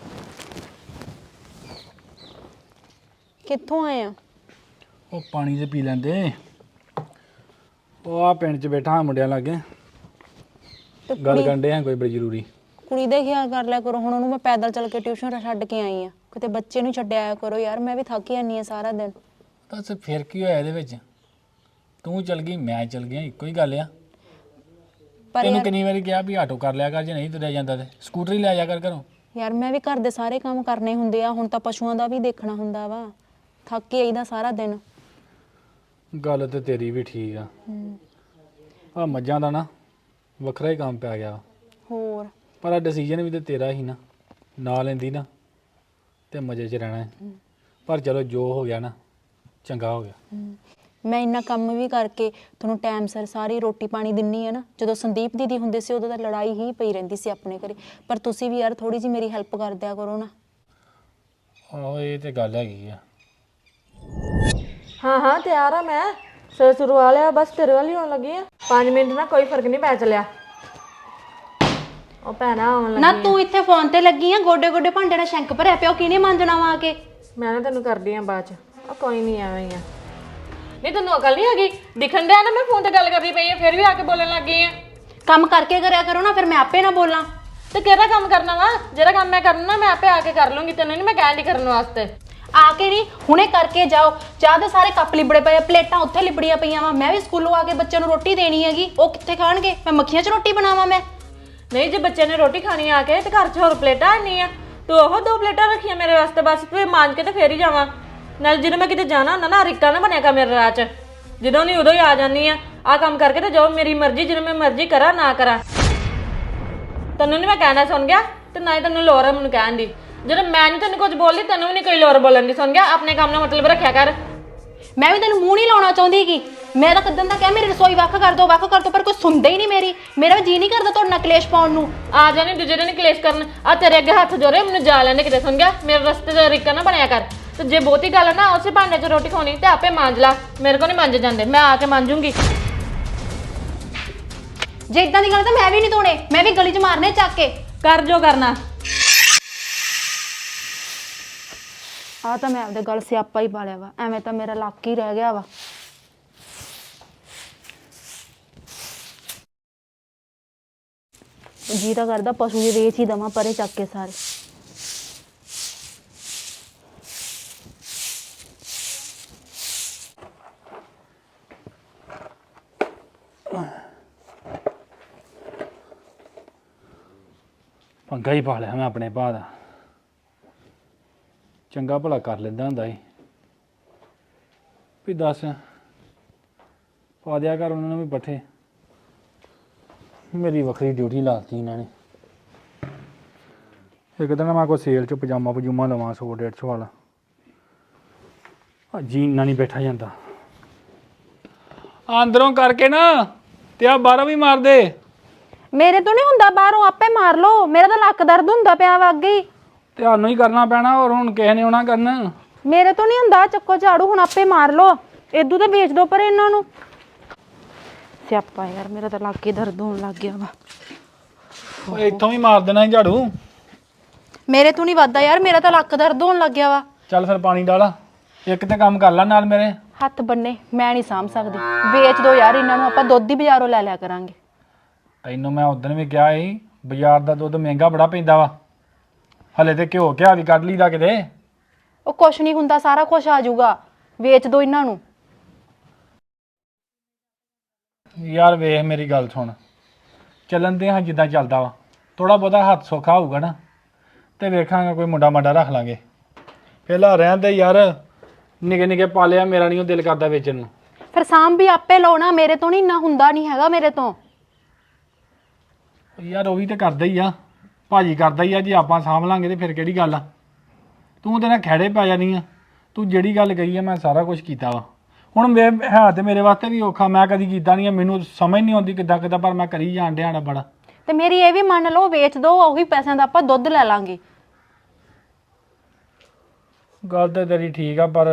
Speaker 1: ਕਿੱਥੋਂ ਆਏ ਆ?
Speaker 5: ਉਹ ਪਾਣੀ ਤੇ ਪੀ ਲੈਂਦੇ। ਉਹ ਆ ਪਿੰਡ 'ਚ ਬੈਠਾ ਹਾਂ ਮੁੰਡਿਆਂ ਲਾਗੇ,
Speaker 1: ਤੇ
Speaker 5: ਗੱਲ
Speaker 1: ਕੁੜੀ-
Speaker 5: ਕਰਨ ਡੇ ਆ ਕੋਈ ਬੜੀ ਜ਼ਰੂਰੀ।
Speaker 1: ਕੁੜੀ ਦਾ ਖਿਆਲ ਕਰ ਲਿਆ ਕਰੋ। ਹੁਣ ਉਹਨੂੰ ਮੈਂ ਪੈਦਲ ਚੱਲ ਕੇ ਟਿਊਸ਼ਨ ਛੱਡ ਕੇ ਆਈ ਆ। ਕਿਤੇ ਬੱਚੇ ਨੂੰ ਛੱਡਿਆ ਆਇਆ ਕਰੋ ਯਾਰ, ਮੈਂ ਵੀ ਥੱਕ ਜਾਂਦੀ ਆ ਸਾਰਾ ਦਿਨ।
Speaker 5: ਦੱਸ ਫਿਰ ਕੀ ਹੋਇਆ ਇਹਦੇ ਵਿੱਚ? ਤੂੰ ਚਲ ਗਈ ਮੈਂ ਚਲ ਗਿਆ, ਇੱਕੋ ਹੀ ਗੱਲ ਆ।
Speaker 1: ਪਰ
Speaker 5: ਤੈਨੂੰ
Speaker 1: ਯਾਰ
Speaker 5: ਕਿੰਨੀ ਵਾਰੀ ਕਿਹਾ ਵੀ ਆਟੋ ਕਰ ਲਿਆ ਕਰ, ਜੇ ਨਹੀਂ ਤੁਰਿਆ ਜਾਂਦਾ ਤੇ ਸਕੂਟਰ ਹੀ ਲੈ ਜਾ ਕਰ ਘਰੋਂ।
Speaker 1: ਯਾਰ ਮੈਂ ਵੀ ਘਰ ਦੇ ਸਾਰੇ ਕੰਮ ਕਰਨੇ ਹੁੰਦੇ ਆ। ਹੁਣ ਤਾਂ ਪਸ਼ੂਆਂ ਦਾ ਵੀ ਦੇਖਣਾ ਹੁੰਦਾ ਵਾ। ਥੱਕ ਕੇ ਆਈਦਾ ਸਾਰਾ ਦਿਨ।
Speaker 5: ਗੱਲ ਤੇ ਤੇਰੀ ਵੀ ਠੀਕ ਆ। ਆ ਮੱਝਾਂ ਦਾ ਨਾ ਵੱਖਰਾ ਹੀ ਕੰਮ ਪੈ ਗਿਆ ਵਾ।
Speaker 1: ਹੋਰ
Speaker 5: ਪਰ ਆ ਡਿਸੀਜਨ ਵੀ ਤੇ ਤੇਰਾ ਹੀ ਨਾ, ਨਾ ਲੈਂਦੀ ਨਾ ਤੇ ਮਜ਼ੇ 'ਚ ਰਹਿਣਾ ਹੈ। ਪਰ ਚਲੋ ਜੋ ਹੋ ਗਿਆ ਨਾ ਚੰਗਾ ਹੋ ਗਿਆ।
Speaker 1: ਮੈਂ ਇੰਨਾ ਕੰਮ ਵੀ ਕਰਕੇ ਤੁਹਾਨੂੰ ਟਾਈਮ ਸਿਰ ਸਾਰੀ ਰੋਟੀ ਪਾਣੀ ਦਿੰਨੀ ਆ ਨਾ। ਜਦੋਂ ਸੰਦੀਪ ਦੀਦੀ ਹੁੰਦੇ ਸੀ ਉਦੋਂ ਤਾਂ ਲੜਾਈ ਹੀ ਪਈ ਰਹਿੰਦੀ ਸੀ ਆਪਣੇ ਘਰੇ। ਪਰ ਤੁਸੀਂ ਵੀ ਯਾਰ ਥੋੜੀ ਜਿਹੀ ਮੇਰੀ ਹੈਲਪ ਕਰ ਦਿਆ ਕਰੋ ਨਾ।
Speaker 5: ਆਹੋ ਇਹ ਤੇ ਗੱਲ ਹੈਗੀ ਆ।
Speaker 2: ਹਾਂ ਹਾਂ ਤਿਆਰ ਆ ਮੈਂ। ਸਿਰ ਸੁਰਵਾ ਲਿਆ, ਬਸ ਤੇਰੇ ਵੱਲ ਹੀ ਆਉਣ ਲੱਗੀ ਆ। ਪੰਜ ਮਿੰਟ ਨਾਲ ਕੋਈ ਫਰਕ ਨਹੀਂ ਪੈ ਚੱਲਿਆ। ਉਹ ਭੈਣਾ ਆਉਣ
Speaker 1: ਨਾ
Speaker 2: ਲੱਗੀ।
Speaker 1: ਤੂੰ ਇੱਥੇ ਫੋਨ ਤੇ ਲੱਗੀ ਆ, ਗੋਡੇ ਗੋਡੇ ਭਾਂਡੇ ਦਾ ਸ਼ੰਕ ਭਰਿਆ ਪਿਆ। ਉਹ ਕਿਹਨੇ ਮਾਂਜਣਾ ਵਾ ਆ ਕੇ?
Speaker 2: ਮੈਂ ਨਾ ਤੈਨੂੰ ਕਰਦੀ ਆ ਬਾਅਦ ਚ। ਉਹ ਕੋਈ ਨਹੀਂ ਐਵੇਂ ਹੀ ਆ। ਨਹੀਂ ਤੈਨੂੰ ਅਕਲ ਨਹੀਂ ਹੈਗੀ? ਦਿਖਣ ਡਿਆ ਨਾ ਮੈਂ ਫੋਨ ਤੇ ਗੱਲ ਕਰਦੀ ਪਈ ਆ, ਫਿਰ ਵੀ ਆ ਕੇ ਬੋਲਣ ਲੱਗ ਗਈ ਆ।
Speaker 1: ਕੰਮ ਕਰਕੇ ਕਰਿਆ ਕਰੋ ਨਾ, ਫਿਰ ਮੈਂ ਆਪੇ ਨਾ ਬੋਲਾਂ।
Speaker 2: ਤੇ ਕਿਹੜਾ ਕੰਮ ਕਰਨਾ ਵਾ? ਜਿਹੜਾ ਕੰਮ ਮੈਂ ਕਰਨਾ ਮੈਂ ਆਪੇ ਆ ਕੇ ਕਰ ਲੂੰਗੀ। ਤੈਨੂੰ ਨਹੀਂ ਮੈਂ ਕਹਿਣ ਦੀ ਕਰਨ ਵਾਸਤੇ।
Speaker 1: ਆ ਕੇ ਨਹੀਂ, ਹੁਣੇ ਕਰਕੇ ਜਾਓ। ਚਾਹ ਦੇ ਸਾਰੇ ਕੱਪ ਲਿਬੜੇ ਪਏ ਆ, ਪਲੇਟਾਂ ਉੱਥੇ ਲਿਬੜੀਆਂ ਪਈਆਂ ਵਾ। ਮੈਂ ਵੀ ਸਕੂਲੋਂ ਆ ਕੇ ਬੱਚਿਆਂ ਨੂੰ ਰੋਟੀ ਦੇਣੀ ਹੈਗੀ। ਉਹ ਕਿੱਥੇ ਖਾਣਗੇ? ਮੈਂ ਮੱਖੀਆਂ 'ਚ ਰੋਟੀ ਬਣਾਵਾਂ ਮੈਂ?
Speaker 2: ਨਹੀਂ ਜੇ ਬੱਚੇ ਨੇ ਰੋਟੀ ਖਾਣੀ ਆ ਕੇ ਤੇ ਘਰ 'ਚ ਹੋਰ ਪਲੇਟਾਂ ਨਹੀਂ ਆ। ਤੂੰ ਉਹ ਦੋ ਪਲੇਟਾਂ ਰੱਖੀਆਂ ਮੇਰੇ ਵਾਸਤੇ ਬਸ। ਤੇ ਮਾਂਜ ਕੇ ਤੇ ਫੇਰ ਹੀ ਜਾਵਾਂ। ਨਾਲ ਜਦੋਂ ਮੈਂ ਕਿਤੇ ਜਾਣਾ ਹੁੰਦਾ ਨਾ ਰਿਕਾ ਨਾ ਬਣਿਆ ਕਰ ਮੇਰੇ ਰਾਹ 'ਚ। ਜਦੋਂ ਨਹੀਂ ਉਦੋਂ ਹੀ ਆ ਜਾਂਦੀ ਆ। ਆ ਕੰਮ ਕਰਕੇ ਤੇ ਜਾਓ, ਮੇਰੀ ਮਰਜ਼ੀ। ਜਦੋਂ ਮੈਂ ਮਰਜ਼ੀ ਕਰਾਂ ਨਾ ਕਰਾਂ। ਤੈਨੂੰ ਨਹੀਂ ਮੈਂ ਕਹਿਣਾ ਸੁਣ ਗਿਆ, ਤੇ ਨਾ ਹੀ ਤੈਨੂੰ ਲੋੜ ਹੈ ਮੈਨੂੰ ਕਹਿਣ ਦੀ। ਜਦੋਂ ਮੈਂ ਨਹੀਂ ਤੈਨੂੰ ਕੁਝ ਬੋਲੀ ਤੈਨੂੰ ਵੀ ਨਹੀਂ ਕੋਈ ਲੋੜ ਬੋਲਣ ਦੀ। ਸੁਣ ਗਿਆ, ਆਪਣੇ ਕੰਮ ਨਾਲ ਮਤਲਬ ਰੱਖਿਆ ਕਰ।
Speaker 1: ਮੈਂ ਵੀ ਤੈਨੂੰ ਮੂੰਹ ਨਹੀਂ ਲਾਉਣਾ ਚਾਹੁੰਦੀ ਕਿ ਮੈਂ ਤਾਂ ਕਦੋਂ ਦਾ ਕਿਹਾ ਮੇਰੀ ਰਸੋਈ ਵੱਖ ਕਰ ਦੋ ਵੱਖ ਕਰ ਦੋ, ਪਰ ਕੋਈ ਸੁਣਦਾ ਹੀ ਨਹੀਂ ਮੇਰੀ। ਮੇਰਾ ਵੀ ਜੀ ਨਹੀਂ ਕਰਦਾ ਤੁਹਾਡੇ ਨਾਲ ਕਲੇਸ਼ ਪਾਉਣ ਨੂੰ।
Speaker 2: ਆ ਜਾਣੀ ਦੂਜੇ ਦਿਨ ਕਲੇਸ਼ ਕਰਨ। ਆ ਤੇਰੇ ਅੱਗੇ ਹੱਥ ਜੋੜੇ, ਮੈਨੂੰ ਜਾ ਲੈਣੇ ਕਿਤੇ। ਸੁਣ ਗਿਆ, ਮੇਰੇ ਰਸਤੇ 'ਚ ਰਿਕਾ ਨਾ ਬਣਿਆ ਕਰ। ਤੇ ਜੇ ਬਹੁਤੀ ਗੱਲ ਹੈ ਨਾ ਉਸੇ ਭਾਂਡੇ 'ਚ ਰੋਟੀ ਖਾਣੀ ਤੇ ਆਪੇ ਮਾਂਜ ਲਾ। ਮੇਰੇ ਕੋਲ ਨਹੀਂ ਮਾਂਜੇ ਜਾਂਦੇ, ਮੈਂ ਆ ਕੇ ਮਾਂਜੂਗੀ।
Speaker 1: ਜੇ ਇਦਾਂ ਦੀ ਗੱਲ ਤਾਂ ਮੈਂ ਵੀ ਨਹੀਂ ਧੋਣੇ, ਮੈਂ ਵੀ ਗਲੀ 'ਚ ਮਾਰਨੇ ਚੱਕ ਕੇ।
Speaker 2: ਕਰ ਜੋ ਕਰਨਾ।
Speaker 1: ਆ ਤਾਂ ਮੈਂ ਆਪਦੇ ਗੱਲ ਸਿਆਪਾ ਹੀ ਪਾ ਲਿਆ ਵਾ। ਐਵੇਂ ਤਾਂ ਮੇਰਾ ਲੱਕ ਹੀ ਰਹਿ ਗਿਆ ਵਾ। ਜੀ ਤਾਂ ਕਰਦਾ ਪਸ਼ੂ ਦੇ ਵੇਚ ਹੀ ਦਵਾਂ ਪਰੇ ਚੱਕ ਕੇ ਸਾਰੇ।
Speaker 5: ਪੰਗਾ ਹੀ ਪਾ ਲਿਆ ਮੈਂ ਆਪਣੇ ਭਾ ਦਾ। ਚੰਗਾ ਭਲਾ ਕਰ ਲੈਂਦਾ ਹੁੰਦਾ ਸੀ ਵੀ ਦੱਸ ਪਾ ਦਿਆ ਕਰ ਉਹਨਾਂ ਨੂੰ ਵੀ ਪੱਠੇ। ਮੇਰੀ ਵੱਖਰੀ ਡਿਊਟੀ ਲਾਤੀ ਇਹਨਾਂ ਨੇ। ਇੱਕ ਦਿਨ ਮੈਂ ਕੋਈ ਸੇਲ 'ਚ ਪਜਾਮਾ ਪਜੂਮਾ ਲਵਾਂ ਸੌ ਡੇਢ ਸੌ ਵਾਲਾ। ਜੀ ਇੰਨਾ ਨਹੀਂ ਬੈਠਾ ਜਾਂਦਾ। ਅੰਦਰੋਂ ਕਰਕੇ ਨਾ ਤੇ ਆ ਬਾਹਰੋਂ ਵੀ ਮਾਰ ਦੇ।
Speaker 1: ਮੇਰੇ ਤੋਂ ਨਹੀਂ ਹੁੰਦਾ, ਬਾਹਰੋਂ ਆਪੇ ਮਾਰ ਲਓ। ਮੇਰਾ ਤਾਂ ਲੱਕ ਦਰਦ ਹੁੰਦਾ ਪਿਆ ਵਾ ਅੱਗੇ ਹੀ।
Speaker 5: ਤੁਹਾਨੂੰ ਹੀ ਕਰਨਾ ਪੈਣਾ, ਹੋਰ ਹੁਣ ਕਿਸੇ ਨੇ ਆਉਣਾ ਕਰਨ।
Speaker 1: ਮੇਰੇ ਤੋਂ ਨਹੀਂ ਹੁੰਦਾ। ਚੱਕੋ ਝਾੜੂ, ਹੁਣ ਆਪੇ ਮਾਰ ਲਓ। ਇਦੂ ਤਾਂ ਵੇਚ ਦੋ ਪਰ ਇਹਨਾਂ ਨੂੰ। ਸਿਆਪਾ ਯਾਰ, ਮੇਰਾ ਤਾਂ ਲੱਕ ਹੀ ਦਰਦ ਹੋਣ ਲੱਗ ਗਿਆ ਵਾ।
Speaker 5: ਓਏ ਇੱਥੋਂ ਵੀ ਮਾਰ ਦੇਣਾ ਸੀ ਝਾੜੂ।
Speaker 1: ਮੇਰੇ ਤੋਂ ਨਹੀਂ ਵੱਧਦਾ ਯਾਰ, ਮੇਰਾ ਤਾਂ ਲੱਕ ਦਰਦ ਹੋਣ ਲੱਗ ਗਿਆ ਵਾ।
Speaker 5: ਚੱਲ ਫਿਰ ਪਾਣੀ ਡਾਲਾ, ਇੱਕ ਤੇ ਕੰਮ ਕਰ ਲੈ ਨਾਲ ਮੇਰੇ।
Speaker 1: ਹੱਥ ਬੰਨੇ ਮੈਂ ਨਹੀਂ ਸਾਂਭ ਸਕਦੀ। ਵੇਚ ਦੋ ਯਾਰ ਇਹਨਾਂ ਨੂੰ, ਆਪਾਂ ਦੁੱਧ ਹੀ ਬਾਜ਼ਾਰੋਂ ਲੈ ਲਿਆ ਕਰਾਂਗੇ।
Speaker 5: ਤੈਨੂੰ ਮੈਂ ਉਦੋਂ ਵੀ ਕਿਹਾ ਸੀ ਬਾਜ਼ਾਰ ਦਾ ਦੁੱਧ ਮਹਿੰਗਾ ਬੜਾ ਪੈਂਦਾ ਵਾ। ਹਲੇ ਤੇ ਘਿਓ ਘਿਆ ਵੀ ਕੱਢ ਲਈਦਾ ਕਿਤੇ।
Speaker 1: ਉਹ ਕੁਛ ਨਹੀਂ ਹੁੰਦਾ, ਸਾਰਾ ਕੁਛ ਆ ਜਾਊਗਾ। ਵੇਚ ਦੋ ਇਹਨਾਂ ਨੂੰ।
Speaker 5: ਯਾਰ ਵੇਖ ਮੇਰੀ ਗੱਲ ਸੁਣ, ਚੱਲਣ ਦੇ ਹਾਂ ਜਿੱਦਾਂ ਚੱਲਦਾ ਵਾ ਥੋੜਾ ਬਹੁਤਾ ਹੱਥ ਸੌਖਾ ਹੋਊਗਾ ਨਾ ਤੇ ਵੇਖਾਂਗਾ ਕੋਈ ਮੁੰਡਾ ਮਾਡਾ ਰੱਖ ਲਾਂਗੇ ਪਹਿਲਾਂ ਰਹਿਣ ਦੇ ਯਾਰ ਨਿੱਕੇ ਨਿੱਕੇ ਪਾਲਿਆ ਮੇਰਾ ਨਹੀਂ ਉਹ ਦਿਲ ਕਰਦਾ ਵੇਚਣ ਨੂੰ
Speaker 1: ਫਿਰ ਸਾਂਭ ਵੀ ਆਪੇ ਲਓ ਨਾ, ਮੇਰੇ ਤੋਂ ਨਹੀਂ ਇੰਨਾ ਹੁੰਦਾ ਨਹੀਂ ਹੈਗਾ ਮੇਰੇ ਤੋਂ।
Speaker 5: ਯਾਰ ਉਹ ਵੀ ਤੇ ਕਰਦਾ ਹੀ ਆ, ਭਾਜੀ ਕਰਦਾ ਹੀ ਆ, ਜੇ ਆਪਾਂ ਸਾਂਭ ਲਾਂਗੇ ਤੇ ਫਿਰ ਕਿਹੜੀ ਗੱਲ ਆ। ਤੂੰ ਤੇ ਨਾ ਖਹਿੜੇ ਪੈ ਜਾਣੀ ਆ, ਤੂੰ ਜਿਹੜੀ ਗੱਲ ਕਹੀ ਆ ਮੈਂ ਸਾਰਾ ਕੁਝ ਕੀਤਾ ਵਾ। ਹੁਣ ਮੈਂ ਹੈ ਤੇ ਮੇਰੇ ਵਾਸਤੇ ਵੀ ਔਖਾ, ਮੈਂ ਕਦੀ ਕੀਤਾ ਨਹੀਂ ਆ, ਮੈਨੂੰ ਸਮਝ ਨਹੀਂ ਆਉਂਦੀ ਕਿੱਦਾਂ ਕਿੱਦਾਂ, ਪਰ ਮੈਂ ਕਰੀ ਜਾਣ ਡਿਆ ਨਾ ਬੜਾ।
Speaker 1: ਤੇ ਮੇਰੀ ਇਹ ਵੀ ਮੰਨ ਲਓ, ਵੇਚ ਦੋ, ਉਹੀ ਪੈਸਿਆਂ ਦਾ ਆਪਾਂ ਦੁੱਧ ਲੈ ਲਾਂਗੇ।
Speaker 5: ਗੱਲ ਤਾਂ ਤੇਰੀ ਠੀਕ ਆ, ਪਰ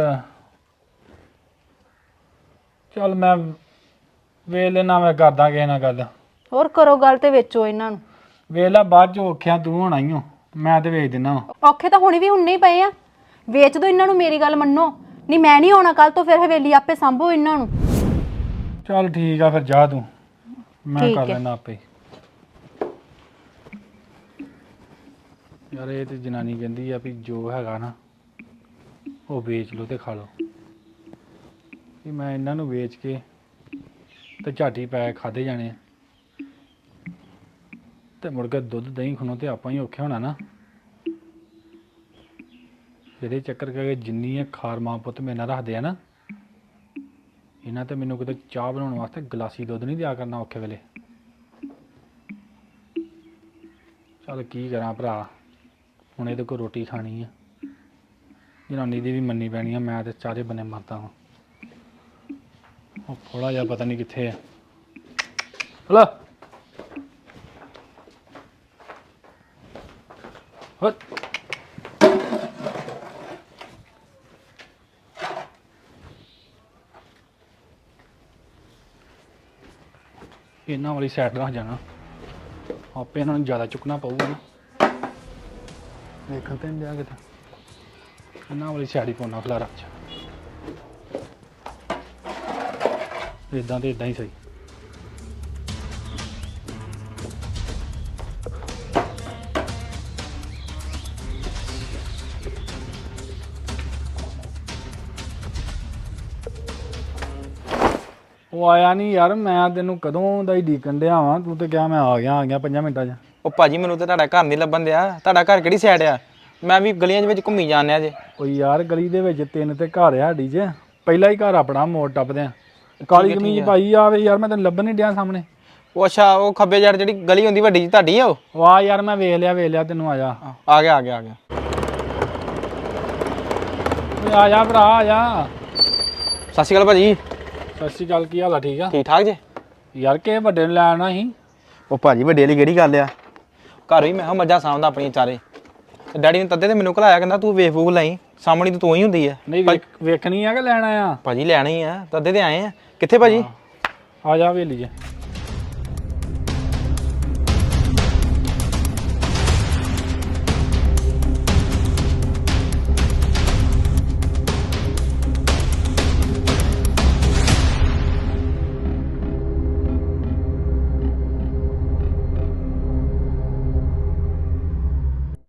Speaker 5: ਚੱਲ ਮੈਂ ਵੇਖ ਲੈਣਾ, ਮੈਂ ਕਰਦਾ ਕਿਸੇ ਨਾਲ ਗੱਲ।
Speaker 1: ਹੋਰ ਕਰੋ ਗੱਲ ਤੇ ਵੇਚੋ ਇਹਨਾਂ ਨੂੰ।
Speaker 5: ਵੇਖ ਲੈ ਬਾਅਦ ਚ ਔਖਿਆ ਤੂੰ ਹੋਣਾ ਹੀ ਹੋ, ਮੈਂ ਤੇ ਵੇਚ ਦਿੰਦਾ ਵਾ।
Speaker 1: ਔਖੇ ਤਾਂ ਹੁਣੇ ਵੀ ਹੁੰਨੇ ਹੀ ਪਏ ਆ, ਵੇਚ ਦੋ ਇਹਨਾਂ ਨੂੰ, ਮੇਰੀ ਗੱਲ ਮੰਨੋ। ਨਹੀਂ ਮੈਂ ਨਹੀਂ ਆਉਣਾ ਕੱਲ ਤੋਂ, ਫਿਰ ਹਵੇਲੀ ਆਪੇ ਸੰਭੋ ਇਹਨਾਂ ਨੂੰ।
Speaker 5: ਚੱਲ ਠੀਕ ਆ ਫਿਰ ਜਾ ਤੂੰ, ਮੈਂ
Speaker 1: ਠੀਕ
Speaker 5: ਕਰ
Speaker 1: ਹੈ।
Speaker 5: ਲੈਣਾ ਆਪੇ। ਯਾਰ ਇਹ ਤੇ ਜਨਾਨੀ ਕਹਿੰਦੀ ਆ ਵੀ ਜੋ ਹੈਗਾ ਨਾ ਉਹ ਵੇਚ ਲਓ ਤੇ ਖਾ ਲਓ, ਵੀ ਮੈਂ ਇਹਨਾਂ ਨੂੰ ਵੇਚ ਕੇ ਤੇ ਝਾਟੀ ਪੈ ਖਾਦੇ ਜਾਣੇ ਆ, ਤੇ ਮੁੜ ਕੇ ਦੁੱਧ ਦਹੀਂ ਖਣੋ ਤੇ ਆਪਾਂ ਹੀ ਔਖੇ ਹੋਣਾ ਨਾ। ਇਹਦੇ ਚੱਕਰ ਕਰਕੇ ਜਿੰਨੀ ਇਹ ਖਾਰ ਮਾਂ ਪੁੱਤ ਮੇਰੇ ਨਾਲ ਰੱਖਦੇ ਆ ਨਾ, ਇਹਨਾਂ ਤੇ ਮੈਨੂੰ ਕਿਤੇ ਚਾਹ ਬਣਾਉਣ ਵਾਸਤੇ ਗਲਾਸੀ ਦੁੱਧ ਨਹੀਂ ਦਿਆ ਕਰਨਾ ਔਖੇ ਵੇਲੇ। ਚੱਲ ਕੀ ਕਰਾਂ ਭਰਾ, ਹੁਣ ਇਹਦੇ ਕੋਲ ਰੋਟੀ ਖਾਣੀ ਆ, ਜਨਾਨੀ ਦੀ ਵੀ ਮੰਨੀ ਪੈਣੀ ਆ, ਮੈਂ ਤੇ ਚਾਰੇ ਬੰਨੇ ਮਰਦਾ ਹਾਂ। ਉਹ ਥੋੜਾ ਜਿਹਾ ਪਤਾ ਨਹੀਂ ਕਿੱਥੇ ਆ। ਹਲੋ ਹਟ, ਇਹਨਾਂ ਵਾਲੀ ਸਾਈਡ ਰੱਖ ਜਾਣਾ, ਆਪੇ ਇਹਨਾਂ ਨੂੰ ਜ਼ਿਆਦਾ ਚੁੱਕਣਾ ਪਊਗਾ ਨਾ। ਵੇਖਣ ਤੇ ਨਹੀਂ ਦਿਆ ਕਿਤੇ, ਇਹਨਾਂ ਵਾਲੀ ਸਾਈਡ ਹੀ ਪਾਉਣਾ ਖਲਾਰਾ ਚ। ਇਦਾਂ ਤੇ ਇਦਾਂ ਹੀ ਸਹੀ। ਉਹ ਆਇਆ ਨਹੀਂ ਯਾਰ, ਮੈਂ ਤੈਨੂੰ ਕਦੋਂ ਦਾ ਹੀ ਡੀਕਣ ਡਿਆ ਵਾਂ, ਤੂੰ ਤੇ ਕਿਹਾ ਮੈਂ ਆ ਗਿਆ ਆ ਗਿਆ ਪੰਜਾਂ ਮਿੰਟਾਂ 'ਚ।
Speaker 8: ਉਹ ਭਾਜੀ ਮੈਨੂੰ ਤੇ ਤੁਹਾਡਾ ਘਰ ਨਹੀਂ ਲੱਭਣ ਦਿਆ, ਤੁਹਾਡਾ ਘਰ ਕਿਹੜੀ ਸਾਈਡ ਆ? ਮੈਂ ਵੀ ਗਲੀਆਂ ਦੇ ਵਿੱਚ ਘੁੰਮੀ ਜਾਂਦਿਆ ਜੇ।
Speaker 5: ਉਹ ਯਾਰ ਗਲੀ ਦੇ ਵਿੱਚ ਤਿੰਨ ਤੇ ਘਰ ਆ ਸਾਡੀ 'ਚ, ਪਹਿਲਾ ਹੀ ਘਰ ਆਪਣਾ ਮੋੜ ਟੱਪਦੇ ਆ। ਕਾਲੀ ਕਮੀਜ਼ ਪਾਈ ਆਵੇ ਯਾਰ, ਮੈਂ ਤੈਨੂੰ ਲੱਭਣ ਨਹੀਂ ਡਿਆ ਸਾਹਮਣੇ।
Speaker 8: ਉਹ ਅੱਛਾ, ਉਹ ਖੱਬੇ ਯਾਰ ਜਿਹੜੀ ਗਲੀ ਹੁੰਦੀ ਵੱਡੀ ਜੀ ਤੁਹਾਡੀ ਆ ਉਹ?
Speaker 5: ਵਾਹ ਯਾਰ ਮੈਂ ਵੇਖ ਲਿਆ ਵੇਖ ਲਿਆ ਤੈਨੂੰ, ਆ ਜਾ
Speaker 8: ਆ ਗਿਆ ਆ ਗਿਆ ਆ ਗਿਆ।
Speaker 5: ਓਏ ਆ ਜਾ ਭਰਾ ਆ ਜਾ।
Speaker 8: ਸਤਿ ਸ਼੍ਰੀ ਅਕਾਲ ਭਾਜੀ।
Speaker 5: ਸਤਿ ਸ਼੍ਰੀ ਅਕਾਲ, ਕੀ ਹਾਲ ਆ? ਠੀਕ ਆ
Speaker 8: ਠੀਕ ਠਾਕ ਜੇ?
Speaker 5: ਯਾਰ ਕਿਸੇ ਵੱਡੇ ਨੂੰ ਲੈ ਆਉਣਾ ਸੀ।
Speaker 8: ਉਹ ਭਾਜੀ ਵੱਡੇ ਵਾਲੀ ਕਿਹੜੀ ਗੱਲ ਆ, ਘਰ ਵੀ ਮੈਂ ਕਿਹਾ ਮੱਝਾਂ ਸਾਂਭਦਾ ਆਪਣੀਆਂ ਚਾਰੇ, ਤੇ ਡੈਡੀ ਨੇ ਤੱਦੇ ਤੇ ਮੈਨੂੰ ਘਲਾਇਆ, ਕਹਿੰਦਾ ਤੂੰ ਵੇਖ ਵੂਖ ਲਈ, ਸਾਹਮਣੀ ਤਾਂ ਤੂੰ ਹੀ ਹੁੰਦੀ ਆ।
Speaker 5: ਨਹੀਂ ਵੇਖ- ਵੇਖਣੀ ਆ ਕਿ ਲੈਣਾ ਆ?
Speaker 8: ਭਾਜੀ ਲੈਣੀ ਆ, ਤੱਦੇ ਤੇ ਆਏ ਆ। ਕਿੱਥੇ ਭਾਜੀ?
Speaker 5: ਆ ਜਾ ਹਵੇਲੀ 'ਚ।